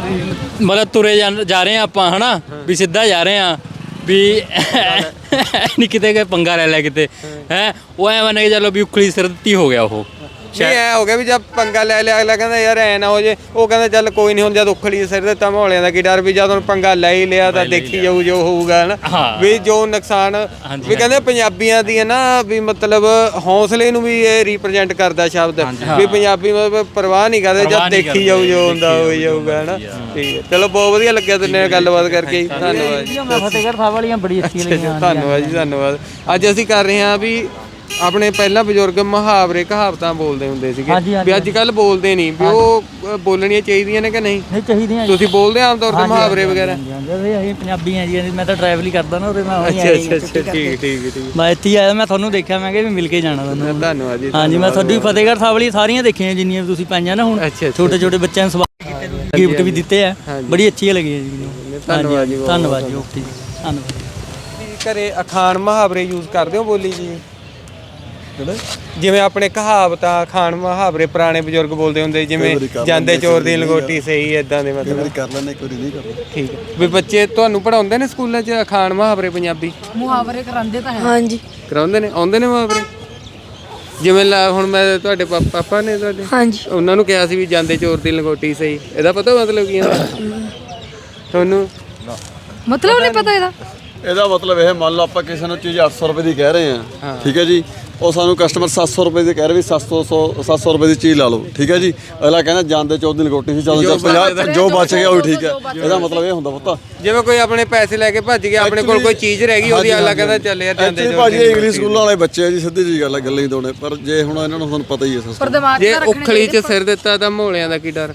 Speaker 7: ਮਤਲਬ ਤੁਰੇ ਜਾ ਰਹੇ ਆ ਆਪਾਂ ਹਨਾ, ਵੀ ਸਿੱਧਾ ਜਾ ਰਹੇ ਆ ਵੀ ਨਹੀਂ ਕਿਤੇ ਗਏ ਪੰਗਾ ਲੈ ਲਿਆ ਕਿਤੇ ਹੈ ਉਹ ਐ ਮੰਨ ਕੇ ਚੱਲੋ ਵੀ ਉਖਲੀ ਸਿਰ ਦਿੱਤੀ ਹੋ ਗਿਆ ਉਹ
Speaker 2: ਨਹੀਂ ਐ ਹੋ ਗਿਆ ਵੀ ਜਦ ਪੰਗਾ ਲੈ ਲਿਆ ਅਗਲਾ ਕਹਿੰਦਾ ਯਾਰ ਐ ਨਾ ਹੋ ਜੇ ਉਹ ਕਹਿੰਦਾ ਚੱਲ ਕੋਈ ਨਹੀਂ ਹੁਣ ਜਦ ਉਖਲੀ ਸਿਰ ਦਿੱਤਾ ਮਹੌਲਿਆਂ ਦਾ ਕੀ ਡਰ ਵੀ ਜਦ ਹੁਣ ਪੰਗਾ ਲੈ ਹੀ ਲਿਆ ਤਾਂ ਦੇਖੀ ਜਾਊ ਜੋ ਹੋਊਗਾ ਹਨਾ ਵੀ ਜੋ ਨੁਕਸਾਨ ਵੀ ਕਹਿੰਦੇ ਪੰਜਾਬੀਆਂ ਦੀ ਹੈ ਨਾ ਵੀ ਮਤਲਬ ਹੌਸਲੇ ਨੂੰ ਵੀ ਇਹ ਰਿਪਰੈਜ਼ੈਂਟ ਕਰਦਾ ਸ਼ਬਦ ਵੀ ਪੰਜਾਬੀ ਮਤਲਬ ਪਰਵਾਹ ਨਹੀਂ ਕਰਦੇ ਜਦ ਦੇਖੀ ਜਾਊ ਜੋ ਹੁੰਦਾ ਹੋ ਜਾਊਗਾ ਹਨਾ ਠੀਕ ਹੈ ਚਲੋ ਬਹੁਤ ਵਧੀਆ ਲੱਗਿਆ ਤੁਹਾਡੇ ਨਾਲ ਗੱਲਬਾਤ ਕਰਕੇ ਧੰਨਵਾਦ ਜੀ
Speaker 8: ਫਤਿਹਗੜ੍ਹ ਸਾਹਿਬ ਵਾਲੀਆਂ ਬੜੀ ਅੱਛੀਆਂ ਲੱਗੀਆਂ
Speaker 2: ਧੰਨਵਾਦ ਜੀ ਧੰਨਵਾਦ ਅੱਜ ਅਸੀਂ ਕਰ ਰਹੇ ਹਾਂ ਵੀ ਆਪਣੇ ਪਹਿਲਾਂ ਬਜ਼ੁਰਗ ਮੁਹਾਵਰੇ ਕਹਾਵਤਾਂ ਬੋਲਦੇ ਹੁੰਦੇ ਸੀਗੇ ਵੀ ਅੱਜ ਕੱਲ ਬੋਲਦੇ ਨਹੀਂ ਵੀ ਉਹ ਬੋਲਣੀਆਂ ਚਾਹੀਦੀਆਂ ਨੇ ਕਿ ਨਹੀਂ
Speaker 8: ਨਹੀਂ ਚਾਹੀਦੀਆਂ
Speaker 2: ਤੁਸੀਂ ਬੋਲਦੇ ਆਮ ਤੌਰ ਤੇ ਮੁਹਾਵਰੇ ਵਗੈਰਾ
Speaker 8: ਅਸੀਂ ਪੰਜਾਬੀ ਆ ਜੀ ਮੈਂ ਤਾਂ ਟਰੈਵਲ ਹੀ ਕਰਦਾ ਨਾ ਉਹਦੇ ਮੈਂ
Speaker 2: ਠੀਕ
Speaker 8: ਮੈਂ ਇੱਥੇ ਆਇਆ ਮੈਂ ਤੁਹਾਨੂੰ ਦੇਖਿਆ ਮੈਂ ਕਿਹਾ ਵੀ ਮਿਲ ਕੇ ਜਾਣਾ ਤੁਹਾਨੂੰ
Speaker 2: ਧੰਨਵਾਦ ਜੀ
Speaker 8: ਹਾਂਜੀ ਮੈਂ ਤੁਹਾਡੀ ਫਤਿਹਗੜ੍ਹ ਸਾਹਿਬ ਵਾਲੀ ਸਾਰੀਆਂ ਦੇਖੀਆਂ ਜਿੰਨੀਆਂ ਵੀ ਤੁਸੀਂ ਪਾਈਆਂ ਨਾ ਹੁਣ ਛੋਟੇ ਛੋਟੇ ਬੱਚਿਆਂ ਨੂੰ ਸਵਾਲ ਕੀਤੇ ਤੁਸੀਂ ਗਿਫਟ ਵੀ ਦਿੱਤੇ ਆ ਬੜੀ ਅੱਛੀਆਂ ਲੱਗੀਆਂ ਜੀ ਮੈਨੂੰ
Speaker 2: ਧੰਨਵਾਦ ਜੀ
Speaker 8: ਧੰਨਵਾਦ ਜੀ ਓਕੇ ਜੀ ਧੰਨਵਾਦ
Speaker 2: ਘਰੇ ਅਖਾਣ ਮੁਹਾਵਰੇ ਯੂਜ਼ ਕਰਦੇ ਹੋ ਬੋਲੀ ਜੀ ਜਿਵੇਂ ਆਪਣੇ ਕਹਾਵਤਾਂ ਅਖਾਣ ਮੁਹਾਵਰੇ ਪੁਰਾਣੇ ਬਜ਼ੁਰਗ ਬੋਲਦੇ ਹੁੰਦੇ ਜਿਵੇਂ ਜਾਂਦੇ ਚੋਰ ਦੀ ਲੰਗੋਟੀ ਸਹੀ ਇਦਾਂ ਦੇ ਮਤਲਬ
Speaker 9: ਕਰ ਲੈਣੇ ਕੋਈ ਨਹੀਂ ਕਰਦਾ
Speaker 2: ਠੀਕ ਹੈ ਵੀ ਬੱਚੇ ਤੁਹਾਨੂੰ ਪੜਾਉਂਦੇ ਨੇ ਸਕੂਲਾਂ 'ਚ ਅਖਾਣ ਮੁਹਾਵਰੇ ਪੰਜਾਬੀ
Speaker 8: ਮੁਹਾਵਰੇ ਕਰਾਉਂਦੇ ਤਾਂ ਹੈ
Speaker 1: ਹਾਂਜੀ
Speaker 2: ਕਰਾਉਂਦੇ ਨੇ ਆਉਂਦੇ ਨੇ ਮੁਹਾਵਰੇ ਜਿਵੇਂ ਹੁਣ ਮੈਂ ਤੁਹਾਡੇ ਪਾਪਾ ਨੇ ਤੁਹਾਡੇ
Speaker 1: ਹਾਂਜੀ
Speaker 2: ਉਹਨਾਂ ਨੂੰ ਕਿਹਾ ਸੀ ਵੀ ਜਾਂਦੇ ਚੋਰ ਦੀ ਲੰਗੋਟੀ ਸਹੀ ਇਹਦਾ ਪਤਾ ਮਤਲਬ ਕੀ ਹੁੰਦਾ ਤੁਹਾਨੂੰ
Speaker 8: ਮਤਲਬ ਨਹੀਂ ਪਤਾ
Speaker 9: ਇਹਦਾ ਮਤਲਬ ਇਹ ਮੰਨ ਲਓ ਆਪਾਂ ਕਿਸੇ ਨੂੰ ਚੀਜ਼ 800 ਰੁਪਏ ਦੀ ਕਹਿ ਰਹੇ ਹਾਂ ਠੀਕ ਹੈ ਜੀ ਉਹ ਸਾਨੂੰ ਕਸਟਮਰ 700 ਰੁਪਏ ਦੀ ਕਹਿ ਰਹੇ ਵੀ 700 ਰੁਪਏ ਦੀ ਚੀਜ਼ ਲਾ ਲਓ ਠੀਕ ਹੈ ਜੀ ਅਗਲਾ ਕਹਿੰਦਾ ਜਾਂਦੇ ਚੋਰ ਦੀ ਲੰਗੋਟੀ ਸੀ ਜਦੋਂ 50 ਜੋ ਬਚ ਗਿਆ ਉਹ ਠੀਕ ਹੈ ਇਹਦਾ ਮਤਲਬ ਇਹ ਹੁੰਦਾ ਪੁੱਤ
Speaker 2: ਜਿਵੇਂ ਕੋਈ ਆਪਣੇ ਪੈਸੇ ਲੈ ਕੇ ਭੱਜ ਗਿਆ ਆਪਣੇ ਕੋਲ ਕੋਈ ਚੀਜ਼ ਰਹਿ ਗਈ ਉਹਦੀ ਅਗਲਾ ਕਹਿੰਦਾ ਚੱਲ ਯਾਰ ਜਾਂਦੇ ਚੋਰ
Speaker 9: ਭਾਜੀ ਇੰਗਲਿਸ਼ ਸਕੂਲਾਂ ਵਾਲੇ ਬੱਚੇ ਆ ਜੀ ਸਿੱਧੀ ਜੀ ਗੱਲ ਹੈ ਗੱਲਾਂ ਹੀ ਦੋਨੇ ਪਰ ਜੇ ਹੁਣ ਇਹਨਾਂ ਨੂੰ ਤੁਹਾਨੂੰ ਪਤਾ ਹੀ ਹੈ ਸਿਸਟਮ
Speaker 2: ਜੇ ਉਖਲੀ 'ਚ ਸਿਰ ਦਿੱਤਾ ਤਾਂ ਮਹੌਲਿਆਂ ਦਾ ਕੀ ਡਰ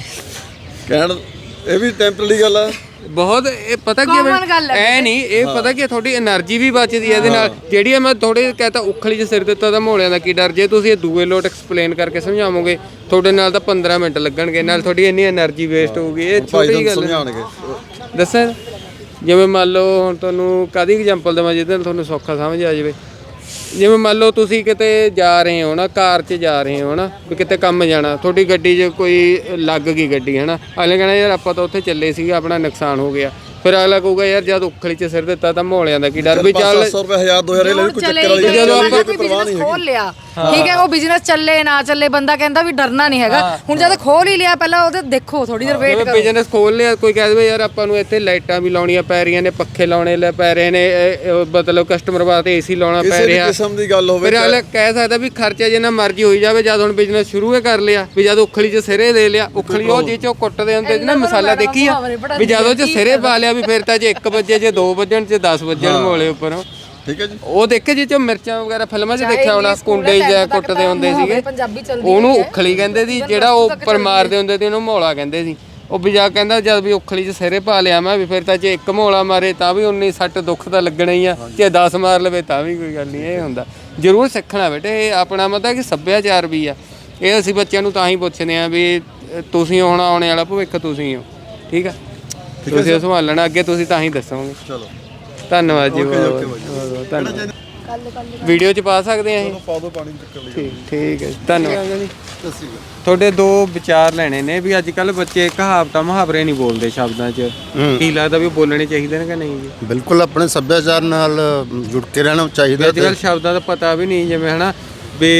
Speaker 9: ਕਹਿਣ ਇਹ ਵੀ ਟੈਂਪਰੇਰੀ ਗੱਲ ਆ
Speaker 2: ਬਹੁਤ ਇਹ ਪਤਾ ਕੀ ਐ ਨਹੀਂ ਇਹ ਪਤਾ ਕੀ ਤੁਹਾਡੀ એનર્ਜੀ ਵੀ ਬਚਦੀ ਹੈ ਇਹਦੇ ਨਾਲ ਜਿਹੜੀ ਮੈਂ ਥੋੜੇ ਕਹਤਾ ਉਖਲੀ 'ਚ ਸਿਰ ਦਿੱਤਾ ਤਾਂ ਮਹੌਲਿਆਂ ਦਾ ਕੀ ਡਰ ਜੇ ਤੁਸੀਂ ਇਹ ਦੂਏ ਲੋਟ ਐਕਸਪਲੇਨ ਕਰਕੇ ਸਮਝਾਵੋਗੇ ਤੁਹਾਡੇ ਨਾਲ ਤਾਂ 15 ਮਿੰਟ ਲੱਗਣਗੇ ਨਾਲ ਤੁਹਾਡੀ ਇੰਨੀ એનર્ਜੀ ਵੇਸਟ ਹੋਊਗੀ ਇਹ ਛੋਟੀ ਗੱਲ ਸਮਝਾਉਣਗੇ ਦੱਸਾਂ ਜਿਵੇਂ ਮੰਨ ਲਓ ਹੁਣ ਤੁਹਾਨੂੰ ਕਾਹਦੀ ਐਗਜ਼ਾਮਪਲ ਦੇਵਾਂ ਜਿਹਦੇ ਨਾਲ ਤੁਹਾਨੂੰ ਸੌਖਾ ਸਮਝ ਆ ਜਾਵੇ ਜਿਵੇਂ ਮੰਨ ਲਓ ਤੁਸੀਂ ਕਿਤੇ ਜਾ ਰਹੇ ਹੋ ਨਾ ਕਾਰ 'ਚ ਜਾ ਰਹੇ ਹੋ ਨਾ ਵੀ ਕਿਤੇ ਕੰਮ ਜਾਣਾ ਤੁਹਾਡੀ ਗੱਡੀ 'ਚ ਕੋਈ ਲੱਗ ਗਈ ਗੱਡੀ ਹੈ ਨਾ ਅਗਲੇ ਕਹਿੰਦਾ ਯਾਰ ਆਪਾਂ ਤਾਂ ਉੱਥੇ ਚੱਲੇ ਸੀਗੇ ਆਪਣਾ ਨੁਕਸਾਨ ਹੋ ਗਿਆ ਫਿਰ ਅਗਲਾ ਕਹੂਗਾ ਯਾਰ ਜਦ ਉਖਲੀ 'ਚ ਸਿਰ ਦਿੱਤਾ ਤਾਂ ਮਹੌਲਿਆਂ ਦਾ ਕੀ ਡਰ ਵੀ ਚੱਲ
Speaker 9: 700 ਰੁਪਏ 1000 2000 ਇਹ ਲੈ ਕੋਈ ਚੱਕਰ ਵਾਲੀ
Speaker 2: ਜਦੋਂ ਆਪਾਂ
Speaker 8: ਬਿਜ਼ਨਸ ਖੋਲ ਲਿਆ ਠੀਕ ਹੈ ਉਹ ਬਿਜ਼ਨਸ ਚੱਲੇ ਨਾ ਚੱਲੇ ਬੰਦਾ ਕਹਿੰਦਾ ਵੀ ਡਰਨਾ ਨਹੀਂ ਹੈਗਾ ਹੁਣ ਜਦ ਖੋਲ ਹੀ ਲਿਆ ਪਹਿਲਾਂ ਉਹਦੇ ਦੇਖੋ ਥੋੜੀ ਦੇਰ ਵੇਟ ਕਰੋ
Speaker 2: ਬਿਜ਼ਨਸ ਖੋਲ ਲਿਆ ਕੋਈ ਕਹਿ ਦੇਵੇ ਯਾਰ ਆਪਾਂ ਨੂੰ ਇੱਥੇ ਲਾਈਟਾਂ ਵੀ ਲਾਉਣੀਆਂ ਪੈ ਰਹੀਆਂ ਨੇ ਪੱਖੇ ਲਾਉਣੇ ਲੈ ਪੈ ਰਹੇ ਨੇ ਮਤਲਬ ਕਸਟਮਰ ਵਾਸਤੇ ਏਸੀ ਲਾਉਣਾ ਪੈ ਰਿਹਾ
Speaker 9: ਕਿਸਮ ਦੀ ਗੱਲ ਹੋਵੇ
Speaker 2: ਫਿਰ ਅਗਲਾ ਕਹਿ ਸਕਦਾ ਵੀ ਖਰਚਾ ਜਿੰਨਾ ਮਰਜ਼ੀ ਹੋਈ ਜਾਵੇ ਜਦ ਹੁਣ ਬਿਜ਼ਨਸ ਸ਼ੁਰੂ ਹੀ ਕਰ ਲਿਆ ਵੀ ਜਦ ਉਖਲੀ 'ਚ ਸਿਰੇ ਦੇ ਲਿਆ ਉਖਲੀ ਉਹ ਜੇ 'ਚੋਂ ਕੁੱਟਦੇ ਹੁੰਦੇ ਨਾ ਮਸਾਲਾ ਦੇਖੀ ਆ ਵੀ ਜਦੋਂ 'ਚ ਸਿਰੇ ਪਾ ਲਿਆ ਵੀ ਫਿਰ ਤਾਂ ਜੇ 1 ਵਜੇ ਜੇ 2 ਵਜਣ ਜੇ 10 ਵਜਣ ਮੋਲੇ ਉੱਪਰੋਂ
Speaker 9: ਠੀਕ ਹੈ ਜੀ
Speaker 2: ਉਹ ਦੇਖੇ ਜਿਹ 'ਚ ਮਿਰਚਾਂ ਵਗੈਰਾ ਫਿਲਮਾਂ 'ਚ ਦੇਖਿਆ ਹੋਣਾ ਕੁੰਡੇ ਜਾਂ ਕੁੱਟਦੇ ਹੁੰਦੇ ਸੀਗੇ ਉਹਨੂੰ ਉਖਲੀ ਕਹਿੰਦੇ ਸੀ ਜਿਹੜਾ ਉਹ ਉੱਪਰ ਮਾਰਦੇ ਹੁੰਦੇ ਸੀ ਉਹਨੂੰ ਮੌਲਾ ਕਹਿੰਦੇ ਸੀ ਉਹ ਵੀ ਜਾ ਕਹਿੰਦਾ ਜਦ ਵੀ ਉਖਲੀ 'ਚ ਸਿਰੇ ਪਾ ਲਿਆ ਮੈਂ ਵੀ ਫਿਰ ਤਾਂ ਜੇ 1 ਮੌਲਾ ਮਾਰੇ ਤਾਂ ਵੀ 19 ਸੱਟ ਦੁੱਖ ਤਾਂ ਲੱਗਣਾ ਹੀ ਆ ਜੇ 10 ਮਾਰ ਲਵੇ ਤਾਂ ਵੀ ਕੋਈ ਗੱਲ ਨਹੀਂ ਇਹ ਹੁੰਦਾ ਜ਼ਰੂਰ ਸਿੱਖਣਾ ਬੇਟੇ ਇਹ ਆਪਣਾ ਮਤਲਬ ਕਿ ਸੱਭਿਆਚਾਰ ਵੀ ਆ ਇਹ ਅਸੀਂ ਬੱਚਿਆਂ ਨੂੰ ਤਾਂ ਹੀ ਪੁੱਛਦੇ ਆ ਵੀ ਤੁਸੀਂ ਹੁਣ ਆਉਣੇ ਵਾਲਾ ਭਵਿੱਖ ਤੁਸੀਂ ਹੋ ਠੀਕ ਆ ਤੁਸੀਂ ਸੰਭਾਲਣਾ ਅੱਗੇ ਤੁਸੀਂ ਤਾਂ ਹੀ ਦੱਸੋਗੇ ਚਲੋ ਧੰਨਵਾਦ ਜੀ ਬਹੁਤ ਧੰਨਵਾਦ ਵੀਡੀਓ 'ਚ ਪਾ ਸਕਦੇ ਆ
Speaker 9: ਪਾ ਦਿਓ ਪਾਣੀ ਚੱਕਰ ਲਈ
Speaker 2: ਠੀਕ ਹੈ ਧੰਨਵਾਦ ਜੀ ਤੁਹਾਡੇ 2 ਵਿਚਾਰ ਲੈਣੇ ਨੇ ਵੀ ਅੱਜ ਕੱਲ ਬੱਚੇ ਕਹਾਵਤਾਂ ਮੁਹਾਵਰੇ ਨਹੀਂ ਬੋਲਦੇ ਸ਼ਬਦਾਂ 'ਚ ਕੀ ਲੱਗਦਾ ਵੀ ਬੋਲਣੇ ਚਾਹੀਦੇ ਨੇ ਕਿ ਨਹੀਂ ਜੀ
Speaker 11: ਬਿਲਕੁਲ ਆਪਣੇ ਸੱਭਿਆਚਾਰ ਨਾਲ ਜੁੜ ਕੇ ਰਹਿਣਾ ਚਾਹੀਦਾ
Speaker 2: ਅੱਜ ਕੱਲ ਸ਼ਬਦਾਂ ਦਾ ਪਤਾ ਵੀ ਨਹੀਂ ਜਿਵੇਂ ਹਨਾ ਵੀ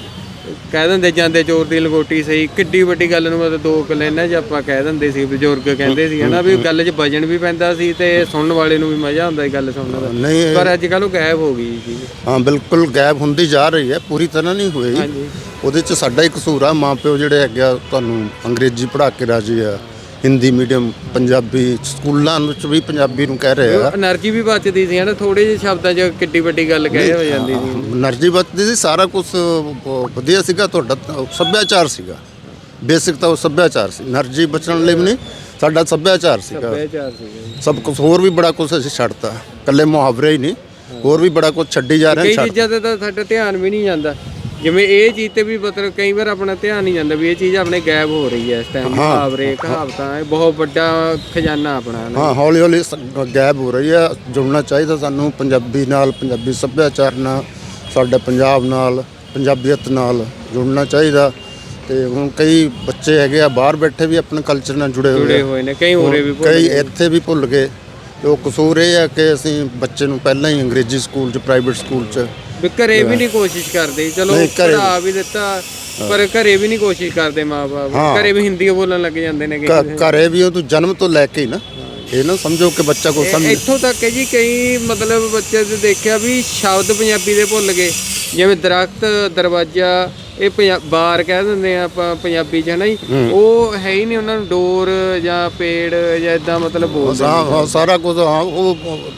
Speaker 2: ਕਹਿ ਦਿੰਦੇ ਜਾਂਦੇ ਚੋਰ ਦੀ ਲੰਗੋਟੀ ਸਹੀ ਕਿੱਡੀ ਵੱਡੀ ਗੱਲ ਨੂੰ ਮਤਲਬ 2 ਕਲੈਨਾਂ 'ਚ ਆਪਾਂ ਕਹਿ ਦਿੰਦੇ ਸੀ ਬਜ਼ੁਰਗ ਕਹਿੰਦੇ ਸੀ ਹਨਾ ਵੀ ਗੱਲ 'ਚ ਵਜਨ ਵੀ ਪੈਂਦਾ ਸੀ ਤੇ ਸੁਣਨ ਵਾਲੇ ਨੂੰ ਵੀ ਮਜ਼ਾ ਆਉਂਦਾ ਸੀ ਗੱਲ ਸੁਣਨ ਦਾ
Speaker 11: ਨਹੀਂ
Speaker 2: ਪਰ ਅੱਜ ਕੱਲ ਉਹ ਗਾਇਬ ਹੋ ਗਈ ਜੀ
Speaker 11: ਹਾਂ ਬਿਲਕੁਲ ਗਾਇਬ ਹੁੰਦੀ ਜਾ ਰਹੀ ਹੈ ਪੂਰੀ ਤਰ੍ਹਾਂ ਨਹੀਂ ਹੋਈ ਉਹਦੇ 'ਚ ਸਾਡਾ ਹੀ ਕਸੂਰ ਆ ਮਾਂ ਪਿਓ ਜਿਹੜੇ ਹੈਗੇ ਆ ਤੁਹਾਨੂੰ ਅੰਗਰੇਜ਼ੀ ਪੜ੍ਹਾ ਕੇ ਰਾਜੀ ਆ ਹਿੰਦੀ ਮੀਡੀਅਮ ਪੰਜਾਬੀ ਸਕੂਲਾਂ ਵਿੱਚ ਵੀ ਪੰਜਾਬੀ ਨੂੰ ਕਹਿ ਰਹੇ ਆ
Speaker 2: એનર્ਜੀ ਵੀ ਬਚਦੀ ਸੀ ਹਨਾ ਥੋੜੇ ਜਿਹੇ ਸ਼ਬਦਾਂ 'ਚ ਕਿੱਡੀ ਵੱਡੀ ਗੱਲ ਕਹਿ ਹੋ ਜਾਂਦੀ ਸੀ
Speaker 11: એનર્ਜੀ ਬਚਦੀ ਸੀ ਸਾਰਾ ਕੁਝ ਵਧੀਆ ਸੀਗਾ ਤੁਹਾਡਾ ਸੱਭਿਆਚਾਰ ਸੀਗਾ ਬੇਸਿਕ ਤਾਂ ਉਹ ਸੱਭਿਆਚਾਰ ਸੀ એનર્ਜੀ ਬਚਣ ਲਈ ਵੀ ਨਹੀਂ ਸਾਡਾ ਸੱਭਿਆਚਾਰ ਸੀਗਾ ਸਭ ਕੁਝ ਹੋਰ ਵੀ ਬੜਾ ਕੁਝ ਅਸੀਂ ਛੱਡਤਾ ਇਕੱਲੇ ਮੁਹਾਵਰੇ ਹੀ ਨਹੀਂ ਹੋਰ ਵੀ ਬੜਾ ਕੁਝ ਛੱਡੀ ਜਾ ਰਹੇ
Speaker 2: ਕਈ ਚੀਜ਼ਾਂ ਤੇ ਤਾਂ ਸਾਡਾ ਧਿਆਨ ਵੀ ਨਹੀਂ ਜਾਂਦਾ ਜਿਵੇਂ ਇਹ ਚੀਜ਼ ਤੇ ਵੀ ਮਤਲਬ ਕਈ ਵਾਰ ਆਪਣਾ ਧਿਆਨ ਨਹੀਂ ਜਾਂਦਾ ਵੀ ਇਹ ਚੀਜ਼ ਆਪਣੇ ਗਾਇਬ ਹੋ ਰਹੀ ਹੈ ਇਸ ਟਾਈਮ ਮੁਹਾਵਰੇ ਕਹਾਵਤਾਂ ਇਹ ਬਹੁਤ ਵੱਡਾ ਖਜ਼ਾਨਾ ਆਪਣਾ
Speaker 11: ਹਾਂ ਹੌਲੀ ਹੌਲੀ ਗਾਇਬ ਹੋ ਰਹੀ ਹੈ ਜੁੜਨਾ ਚਾਹੀਦਾ ਸਾਨੂੰ ਪੰਜਾਬੀ ਨਾਲ ਪੰਜਾਬੀ ਸੱਭਿਆਚਾਰ ਨਾਲ ਸਾਡੇ ਪੰਜਾਬ ਨਾਲ ਪੰਜਾਬੀਅਤ ਨਾਲ ਜੁੜਨਾ ਚਾਹੀਦਾ ਤੇ ਹੁਣ ਕਈ ਬੱਚੇ ਹੈਗੇ ਆ ਬਾਹਰ ਬੈਠੇ ਵੀ ਆਪਣੇ ਕਲਚਰ ਨਾਲ ਜੁੜੇ ਹੋਏ
Speaker 2: ਨੇ ਕਈ ਹੋਰੇ ਵੀ
Speaker 11: ਕਈ ਇੱਥੇ ਵੀ ਭੁੱਲ ਗਏ ਉਹ ਕਸੂਰ ਇਹ ਹੈ ਕਿ ਅਸੀਂ ਬੱਚੇ ਨੂੰ ਪਹਿਲਾਂ ਹੀ ਅੰਗਰੇਜ਼ੀ ਸਕੂਲ 'ਚ ਪ੍ਰਾਈਵੇਟ ਸਕੂਲ 'ਚ
Speaker 2: ਵੀ ਘਰੇ ਵੀ ਨਹੀਂ ਕੋਸ਼ਿਸ਼ ਕਰਦੇ, ਚਲੋ
Speaker 11: ਨਹੀਂ, ਘਰੇ-
Speaker 2: ਪੜ੍ਹਾ ਵੀ ਦਿੱਤਾ ਪਰ ਘਰੇ ਵੀ ਨਹੀਂ ਕੋਸ਼ਿਸ਼ ਕਰਦੇ ਮਾਂ-ਬਾਪ,
Speaker 11: ਹਾਂ।
Speaker 2: ਘਰੇ ਵੀ ਹਿੰਦੀ ਬੋਲਣ ਲੱਗ ਜਾਂਦੇ ਨੇ
Speaker 11: ਘਰੇ ਵੀ ਉਹ ਤੋਂ ਜਨਮ ਤੋਂ ਲੈ ਕੇ ਹੀ ਨਾ, ਇਹ ਨਾ ਸਮਝੋ ਕਿ ਬੱਚਾ ਕੋ ਸਮਝ
Speaker 2: ਇੱਥੋਂ ਤੱਕ ਹੈ ਜੀ ਕਈ ਮਤਲਬ ਬੱਚੇ ਤੇ ਦੇਖਿਆ ਵੀ ਸ਼ਬਦ ਪੰਜਾਬੀ ਦੇ ਭੁੱਲ ਗਏ, ਜਿਵੇਂ ਦਰਖਤ, ਦਰਵਾਜ਼ਾ, ਇਹ ਬਾਰ ਕਹਿ ਦਿੰਦੇ ਆ ਆਪਾਂ ਪੰਜਾਬੀ 'ਚ ਹੈ ਨਾ ਜੀ, ਉਹ ਹੈ ਹੀ ਨਹੀਂ ਉਹਨਾਂ ਨੂੰ, ਡੋਰ ਜਾਂ ਪੇੜ ਜਾਂ ਇਦਾਂ ਮਤਲਬ ਬੋਲਦੇ
Speaker 11: ਹਾਂ ਸਾਰਾ ਕੁਝ। ਹਾਂ ਉਹ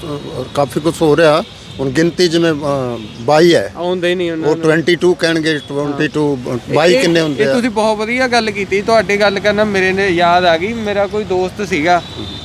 Speaker 11: ਕਾਫੀ ਕੁਝ ਹੋ ਰਿਹਾ ਹੁਣ। ਗਿਣਤੀ ਜਿਵੇਂ 22 ਹੈ,
Speaker 2: ਆਉਂਦੇ ਨਹੀਂ ਉਹਨਾਂ
Speaker 11: ਉਹ 22 ਕਹਿਣਗੇ, 22 22 ਕਿੰਨੇ ਹੁੰਦੇ
Speaker 2: ਇਹ
Speaker 11: ਆ?
Speaker 2: ਤੁਸੀਂ ਬਹੁਤ ਵਧੀਆ ਗੱਲ ਕੀਤੀ, ਤੁਹਾਡੇ ਗੱਲ ਕਰਨਾ ਮੇਰੇ ਨੇ ਯਾਦ ਆ ਗਈ। ਮੇਰਾ ਕੋਈ ਦੋਸਤ ਸੀਗਾ,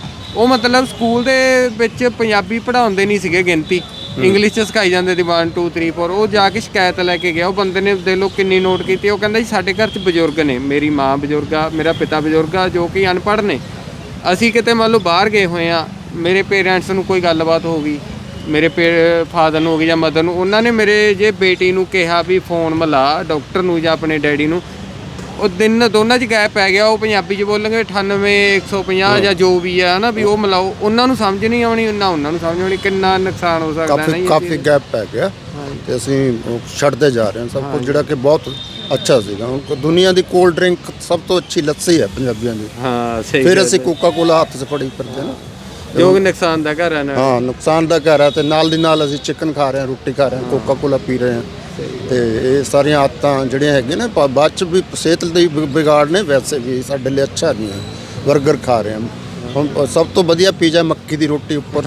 Speaker 2: ਉਹ ਮਤਲਬ ਸਕੂਲ ਦੇ ਵਿੱਚ ਪੰਜਾਬੀ ਪੜ੍ਹਾਉਂਦੇ ਨਹੀਂ ਸੀਗੇ, ਗਿਣਤੀ ਇੰਗਲਿਸ਼ 'ਚ ਸਿਖਾਈ ਜਾਂਦੇ ਸੀ 1 2 3 4। ਉਹ ਜਾ ਕੇ ਸ਼ਿਕਾਇਤ ਲੈ ਕੇ ਗਿਆ, ਉਹ ਬੰਦੇ ਨੇ ਦੇਖ ਲਓ ਕਿੰਨੀ ਨੋਟ ਕੀਤੀ। ਉਹ ਕਹਿੰਦਾ ਜੀ ਸਾਡੇ ਘਰ 'ਚ ਬਜ਼ੁਰਗ ਨੇ, ਮੇਰੀ ਮਾਂ ਬਜ਼ੁਰਗ ਆ, ਮੇਰਾ ਪਿਤਾ ਬਜ਼ੁਰਗ ਆ, ਜੋ ਕਿ ਅਨਪੜ੍ਹ ਨੇ। ਅਸੀਂ ਕਿਤੇ ਮੰਨ ਲਓ ਬਾਹਰ ਗਏ ਹੋਏ ਆ, ਮੇਰੇ ਪੇਰੈਂਟਸ ਨੂੰ ਕੋਈ ਗੱਲਬਾਤ ਹੋ ਗਈ, ਮੇਰੇ ਫਾਦਰ ਨੂੰ ਹੋ ਗਈ ਜਾਂ ਮਦਰ ਨੂੰ, ਉਹਨਾਂ ਨੇ ਮੇਰੇ ਜੇ ਬੇਟੀ ਨੂੰ ਕਿਹਾ ਵੀ ਫੋਨ ਮਿਲਾ ਡਾਕਟਰ ਨੂੰ ਜਾਂ ਆਪਣੇ ਡੈਡੀ ਨੂੰ, ਉਹ ਦਿਨ ਦੋਨਾਂ 'ਚ ਗੈਪ ਪੈ ਗਿਆ। ਉਹ ਪੰਜਾਬੀ 'ਚ ਬੋਲਣਗੇ 98 150 ਜਾਂ ਜੋ ਵੀ ਆ ਨਾ, ਵੀ ਉਹ ਮਿਲਾਓ, ਉਹਨਾਂ ਨੂੰ ਸਮਝ ਨਹੀਂ ਆਉਣੀ, ਨਾ ਉਹਨਾਂ ਨੂੰ ਸਮਝ ਆਉਣੀ। ਕਿੰਨਾ ਨੁਕਸਾਨ ਹੋ ਸਕਦਾ ਨਾ ਜੀ।
Speaker 11: ਕਾਫੀ ਗੈਪ ਪੈ ਗਿਆ ਤੇ ਅਸੀਂ ਉਹ ਛੱਡਦੇ ਜਾ ਰਹੇ ਹਾਂ ਸਭ ਕੁਝ, ਜਿਹੜਾ ਕਿ ਬਹੁਤ ਅੱਛਾ ਸੀਗਾ। ਹੁਣ ਦੁਨੀਆ ਦੀ ਕੋਲਡ ਡਰਿੰਕ ਸਭ ਤੋਂ ਅੱਛੀ ਲੱਸੀ ਹੈ ਪੰਜਾਬੀਆਂ ਦੀ।
Speaker 2: ਹਾਂ ਸਹੀ।
Speaker 11: ਫਿਰ ਅਸੀਂ ਕੋਕਾ ਕੋਲਾ ਹੱਥ 'ਚ ਫੜੀ ਫਿਰਦੇ ਨਾ,
Speaker 2: ਜੋ ਕਿ ਨੁਕਸਾਨ ਦਾ ਘਰ ਹੈ ਨਾ।
Speaker 11: ਹਾਂ ਨੁਕਸਾਨ ਦਾ ਘਰ ਹੈ। ਤੇ ਨਾਲ ਦੀ ਨਾਲ ਅਸੀਂ ਚਿਕਨ ਖਾ ਰਹੇ ਹਾਂ, ਰੋਟੀ ਖਾ ਰਹੇ ਹਾਂ, ਕੋਕਾ ਕੋਲਾ ਪੀ ਰਹੇ ਹਾਂ। ਤੇ ਇਹ ਸਾਰੀਆਂ ਆਦਤਾਂ ਜਿਹੜੀਆਂ ਹੈਗੀਆਂ ਨੇ ਬਾਅਦ 'ਚ ਵੀ ਸਿਹਤ ਲਈ ਵਿਗਾੜ ਨੇ, ਵੈਸੇ ਵੀ ਸਾਡੇ ਲਈ ਅੱਛਾ ਨਹੀਂ ਹੈ। ਬਰਗਰ ਖਾ ਰਹੇ ਹਾਂ ਹੁਣ, ਸਭ ਤੋਂ ਵਧੀਆ ਪੀਜ਼ਾ ਮੱਕੀ ਦੀ ਰੋਟੀ ਉੱਪਰ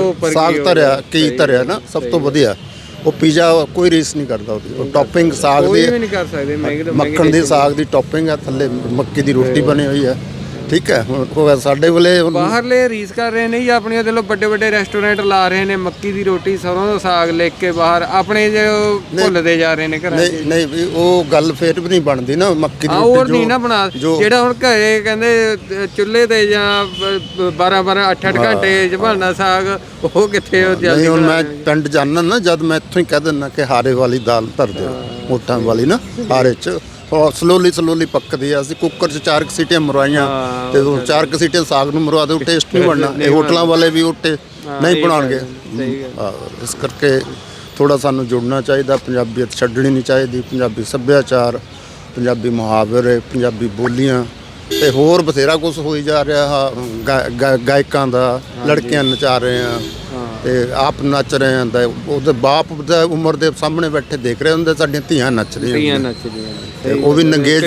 Speaker 11: ਸਾਗ ਧਰਿਆ, ਕੀ ਧਰਿਆ ਨਾ, ਸਭ ਤੋਂ ਵਧੀਆ ਉਹ ਪੀਜ਼ਾ ਕੋਈ ਰੀਸ ਨਹੀਂ ਕਰਦਾ ਉਹਦੀ। ਉਹ ਟੌਪਿੰਗ ਸਾਗ ਦੀ,
Speaker 2: ਕੋਈ ਵੀ ਨਹੀਂ ਕਰ ਸਕਦੇ,
Speaker 11: ਮੱਖਣ ਦੀ ਸਾਗ ਦੀ ਟੌਪਿੰਗ ਹੈ, ਥੱਲੇ ਮੱਕੀ ਦੀ ਰੋਟੀ ਬਣੀ ਹੋਈ ਹੈ। ਠੀਕ ਹੈ, ਹੁਣ ਸਾਡੇ ਵੇਲੇ
Speaker 2: ਬਾਹਰਲੇ ਰੀਸ ਕਰ ਰਹੇ ਨੇ ਜੀ ਆਪਣੀਆਂ, ਦੇ ਲੋ ਵੱਡੇ ਵੱਡੇ ਰੈਸਟੋਰੈਂਟ ਲਾ ਰਹੇ ਨੇ, ਮੱਕੀ ਦੀ ਰੋਟੀ ਸਰੋਂ ਦਾ ਸਾਗ ਲੈ ਕੇ ਬਾਹਰ, ਆਪਣੇ ਜੋ ਭੁੱਲਦੇ ਜਾ ਰਹੇ ਨੇ ਘਰਾਂ 'ਚ।
Speaker 11: ਨਹੀਂ ਵੀ ਉਹ ਗੱਲ ਫੇਰ ਵੀ ਨਹੀਂ ਬਣਦੀ ਨਾ, ਮੱਕੀ ਦੀ
Speaker 2: ਰੋਟੀ
Speaker 11: ਰੋਟੀ
Speaker 2: ਨਹੀਂ ਨਾ ਬਣਾ, ਜਿਹੜਾ ਹੁਣ ਘਰੇ ਕਹਿੰਦੇ ਚੁੱਲ੍ਹੇ ਤੇ ਜਾਂ 12 8 ਘੰਟੇ 'ਚ ਬਣਨਾ ਸਾਗ, ਉਹ ਕਿੱਥੇ ਉਹ ਜਲਦੀ।
Speaker 11: ਹੁਣ ਮੈਂ ਪਿੰਡ ਜਾਣਾ ਨਾ, ਜਦ ਮੈਂ ਇੱਥੋਂ ਹੀ ਕਹਿ ਦਿੰਦਾ ਕਿ ਹਾਰੇ ਵਾਲੀ ਦਾਲ ਧਰ ਦਿਓ, ਮੋਟਾਂ ਵਾਲੀ ਨਾ, ਹਾਰੇ 'ਚ ਸਲੋਲੀ ਪੱਕਦੀ ਆ। ਅਸੀਂ ਕੁੱਕਰ 'ਚ 4 ਸੀਟੀਆਂ ਮਰਵਾਈਆਂ ਤੇ 4 ਸੀਟੀਆਂ ਸਾਗ ਨੂੰ ਮਰਵਾ ਦਿਓ, ਟੇਸਟ ਨਹੀਂ ਬਣਨਾ। ਇਹ ਹੋਟਲਾਂ ਵਾਲੇ ਵੀ ਉੱਟੇ ਨਹੀਂ ਬਣਾਉਣਗੇ। ਇਸ ਕਰਕੇ ਥੋੜਾ ਸਾਨੂੰ ਜੁੜਨਾ ਚਾਹੀਦਾ, ਪੰਜਾਬੀਅਤ ਛੱਡਣੀ ਨਹੀਂ ਚਾਹੀਦੀ। ਪੰਜਾਬੀ ਸੱਭਿਆਚਾਰ, ਪੰਜਾਬੀ ਮੁਹਾਵਰੇ, ਪੰਜਾਬੀ ਬੋਲੀਆਂ ਤੇ ਹੋਰ ਬਥੇਰਾ ਕੁਝ ਹੋਈ ਜਾ ਰਿਹਾ। ਗਾਇਕਾਂ ਦਾ ਲੜਕੀਆਂ ਨਚਾ ਰਹੇ ਆ ਤੇ ਆਪ ਨੱਚ ਰਹੇ ਆ, ਉਹਦੇ ਬਾਪ ਦਾ ਉਮਰ ਦੇ ਸਾਹਮਣੇ ਬੈਠੇ ਦੇਖ ਰਹੇ ਹੁੰਦੇ, ਸਾਡੀਆਂ ਧੀਆਂ ਨੱਚ ਰਹੀਆਂ ਤੇ ਉਹ ਵੀ ਨੰਗੇਜ।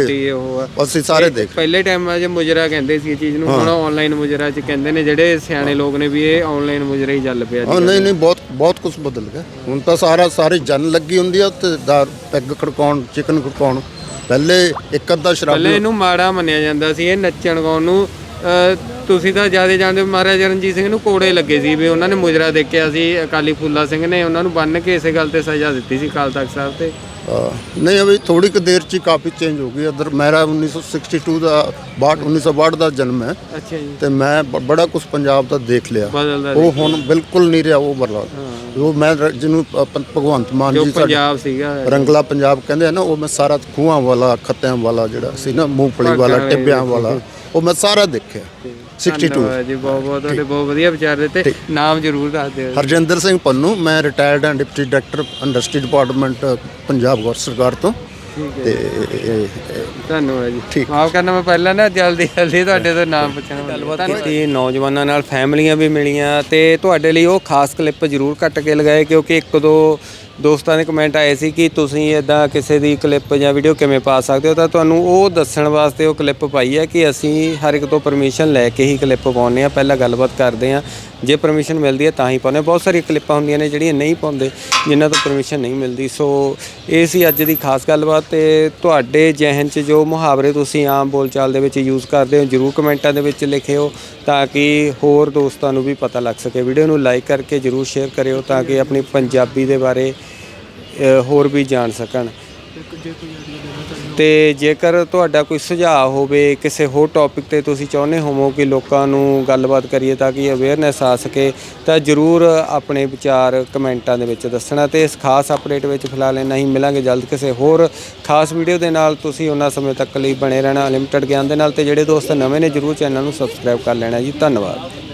Speaker 11: ਅਸੀਂ ਸਾਰੇ ਦੇਖ
Speaker 2: ਪਹਿਲੇ ਟਾਈਮਾਂ 'ਚ ਮੁਜਰਾ ਕਹਿੰਦੇ ਸੀ ਇਹ ਚੀਜ਼ ਨੂੰ, ਹੁਣ ਆਨਲਾਈਨ ਮੁਜਰਾ 'ਚ ਕਹਿੰਦੇ ਨੇ ਜਿਹੜੇ ਸਿਆਣੇ ਲੋਕ ਨੇ ਵੀ ਇਹ ਆਨਲਾਈਨ ਮੁਜਰਾ ਹੀ ਚੱਲ ਪਿਆ।
Speaker 11: ਨਹੀਂ ਬਹੁਤ ਕੁਝ ਬਦਲ ਗਿਆ ਹੁਣ ਤਾਂ। ਸਾਰੀ ਜਨ ਲੱਗੀ ਹੁੰਦੀ ਆ ਤੇ ਪੈਗ ਖੜਕਾਉਣ, ਚਿਕਨ ਖੜਕਾਉਣ। ਪਹਿਲੇ ਇੱਕ ਅੱਧਾ ਸ਼ਰਾਬ,
Speaker 2: ਪਹਿਲੇ ਇਹਨੂੰ ਮਾੜਾ ਮੰਨਿਆ ਜਾਂਦਾ ਸੀ, ਇਹ ਨੱਚਣ ਗਾਉਣ ਨੂੰ। ਤੁਸੀਂ ਤਾਂ ਜ਼ਿਆਦਾ ਜਾਣਦੇ ਹੋ, ਮਹਾਰਾਜਾ ਰਣਜੀਤ ਸਿੰਘ ਨੂੰ ਕੋੜੇ ਲੱਗੇ ਸੀ ਵੀ ਉਹਨਾਂ ਨੇ ਮੁਜਰਾ ਦੇਖਿਆ ਸੀ। ਅਕਾਲੀ ਫੂਲਾ ਸਿੰਘ ਨੇ ਉਹਨਾਂ ਨੂੰ ਬੰਨ੍ਹ ਕੇ ਇਸੇ ਗੱਲ ਤੇ ਸਜ਼ਾ ਦਿੱਤੀ ਸੀ ਅਕਾਲ ਤਖਤ ਸਾਹਿਬ ਤੇ।
Speaker 11: ਨਹੀਂ ਅਭੀ ਥੋੜੀ ਕੁ ਦੇਰ 'ਚ ਹੀ ਕਾਫੀ ਚੇਂਜ ਹੋ ਗਈ। ਅਦਰ ਮੇਰਾ 1962 ਦਾ 1962 ਦਾ ਜਨਮ ਹੈ।
Speaker 2: ਅੱਛਾ ਜੀ।
Speaker 11: ਤੇ ਮੈਂ ਬੜਾ ਕੁਝ ਪੰਜਾਬ ਦਾ ਦੇਖ ਲਿਆ, ਉਹ ਹੁਣ ਬਿਲਕੁਲ ਨਹੀਂ ਰਿਹਾ ਉਹ ਬਦਲਾਅ। ਉਹ ਮੈਂ ਜਿਹਨੂੰ ਭਗਵੰਤ ਮਾਨ ਜੀ
Speaker 2: ਪੰਜਾਬ ਸੀਗਾ,
Speaker 11: ਰੰਗਲਾ ਪੰਜਾਬ ਕਹਿੰਦੇ ਆ ਨਾ, ਉਹ ਮੈਂ ਸਾਰਾ ਖੂਹਾਂ ਵਾਲਾ, ਖੱਤਿਆਂ ਵਾਲਾ ਜਿਹੜਾ ਸੀ ਨਾ, ਮੂੰਗਫਲੀ ਵਾਲਾ, ਟਿੱਬਿਆਂ ਵਾਲਾ, ਉਹ ਮੈਂ ਸਾਰਾ ਦੇਖਿਆ। 62
Speaker 2: ਜੀ। ਬਹੁਤ ਤੁਹਾਡੇ ਬਹੁਤ ਵਧੀਆ ਵਿਚਾਰ ਦਿੱਤੇ। ਨਾਮ ਜ਼ਰੂਰ ਦੱਸ ਦਿਓ।
Speaker 11: ਹਰਜਿੰਦਰ ਸਿੰਘ ਪੰਨੂ, ਮੈਂ ਰਿਟਾਇਰਡ ਹਾਂ deputy director industry department Punjab ਗੌਰ ਸਰਕਾਰ ਤੋਂ। ਤੇ
Speaker 2: ਧੰਨਵਾਦ ਜੀ। ਠੀਕ, ਮਾਫ ਕਰਨਾ ਮੈਂ ਪਹਿਲਾਂ ਨਾ ਜਲਦੀ ਤੁਹਾਡੇ ਤੋਂ ਨਾਮ ਪੁੱਛਣਾ। ਗੱਲਬਾਤ ਕੀਤੀ ਨੌਜਵਾਨਾਂ ਨਾਲ, ਫੈਮਲੀਆਂ ਵੀ ਮਿਲੀਆਂ ਤੇ ਤੁਹਾਡੇ ਲਈ ਉਹ ਖਾਸ ਕਲਿੱਪ ਜ਼ਰੂਰ ਕੱਟ ਕੇ ਲਗਾਏ, ਕਿਉਂਕਿ 1-2 ਦੋਸਤਾਂ ਦੇ ਕਮੈਂਟ ਆਏ ਸੀ ਕਿ ਤੁਸੀਂ ਇੱਦਾਂ ਕਿਸੇ ਦੀ ਕਲਿੱਪ ਜਾਂ ਵੀਡੀਓ ਕਿਵੇਂ ਪਾ ਸਕਦੇ ਹੋ। ਤਾਂ ਤੁਹਾਨੂੰ ਉਹ ਦੱਸਣ ਵਾਸਤੇ ਉਹ ਕਲਿੱਪ ਪਾਈ ਹੈ ਕਿ ਅਸੀਂ ਹਰ ਇੱਕ ਤੋਂ ਪਰਮਿਸ਼ਨ ਲੈ ਕੇ ਹੀ ਕਲਿੱਪ ਪਾਉਂਦੇ ਹਾਂ। ਪਹਿਲਾਂ ਗੱਲਬਾਤ ਕਰਦੇ ਹਾਂ, ਜੇ ਪਰਮਿਸ਼ਨ ਮਿਲਦੀ ਹੈ ਤਾਂ ਹੀ ਪਾਉਂਦੇ। ਬਹੁਤ ਸਾਰੀਆਂ ਕਲਿੱਪਾਂ ਹੁੰਦੀਆਂ ਨੇ ਜਿਹੜੀਆਂ ਨਹੀਂ ਪਾਉਂਦੇ, ਜਿਨ੍ਹਾਂ ਤੋਂ ਪਰਮਿਸ਼ਨ ਨਹੀਂ ਮਿਲਦੀ। ਸੋ ਇਹ ਸੀ ਅੱਜ ਦੀ ਖਾਸ ਗੱਲਬਾਤ। ਤੇ ਤੁਹਾਡੇ ਜ਼ਿਹਨ 'ਚ ਜੋ ਮੁਹਾਵਰੇ ਤੁਸੀਂ ਆਮ ਬੋਲਚਾਲ ਦੇ ਵਿੱਚ ਯੂਜ਼ ਕਰਦੇ ਹੋ, ਜ਼ਰੂਰ ਕਮੈਂਟਾਂ ਦੇ ਵਿੱਚ ਲਿਖਿਓ ਤਾਂ ਕਿ ਹੋਰ ਦੋਸਤਾਂ ਨੂੰ ਵੀ ਪਤਾ ਲੱਗ ਸਕੇ। ਵੀਡੀਓ ਨੂੰ ਲਾਈਕ ਕਰਕੇ ਜ਼ਰੂਰ ਸ਼ੇਅਰ ਕਰਿਓ ਤਾਂ ਕਿ ਆਪਣੀ ਪੰਜਾਬੀ ਦੇ ਬਾਰੇ ਹੋਰ ਵੀ ਜਾਣ ਸਕਣ। ਤੇ ਜੇਕਰ ਤੁਹਾਡਾ ਕੋਈ ਸੁਝਾਅ ਹੋਵੇ ਕਿਸੇ ਹੋਰ ਟੌਪਿਕ ਤੇ, ਤੁਸੀਂ ਚਾਹੁੰਦੇ ਹੋਵੋ ਕਿ ਲੋਕਾਂ ਨੂੰ ਗੱਲਬਾਤ ਕਰੀਏ ਤਾਂ ਕਿ ਅਵੇਅਰਨੈਸ ਆ ਸਕੇ, ਤਾਂ ਜ਼ਰੂਰ ਆਪਣੇ ਵਿਚਾਰ ਕਮੈਂਟਾਂ ਦੇ ਵਿੱਚ ਦੱਸਣਾ। ਤੇ ਇਸ ਖਾਸ ਅਪਡੇਟ ਵਿੱਚ ਫਿਲਹਾਲ ਇੰਨਾ ਹੀ। ਮਿਲਾਂਗੇ ਜਲਦ ਕਿਸੇ ਹੋਰ ਖਾਸ ਵੀਡੀਓ ਦੇ ਨਾਲ। ਤੁਸੀਂ ਉਹਨਾਂ ਸਮੇਂ ਤੱਕ ਲਈ ਬਣੇ ਰਹਿਣਾ ਅਨਲਿਮਟਿਡ ਗਿਆਨ ਦੇ ਨਾਲ। ਤੇ ਜਿਹੜੇ ਦੋਸਤ ਨਵੇਂ ਨੇ ਜ਼ਰੂਰ ਚੈਨਲ ਨੂੰ ਸਬਸਕ੍ਰਾਈਬ ਕਰ ਲੈਣਾ ਜੀ। ਧੰਨਵਾਦ।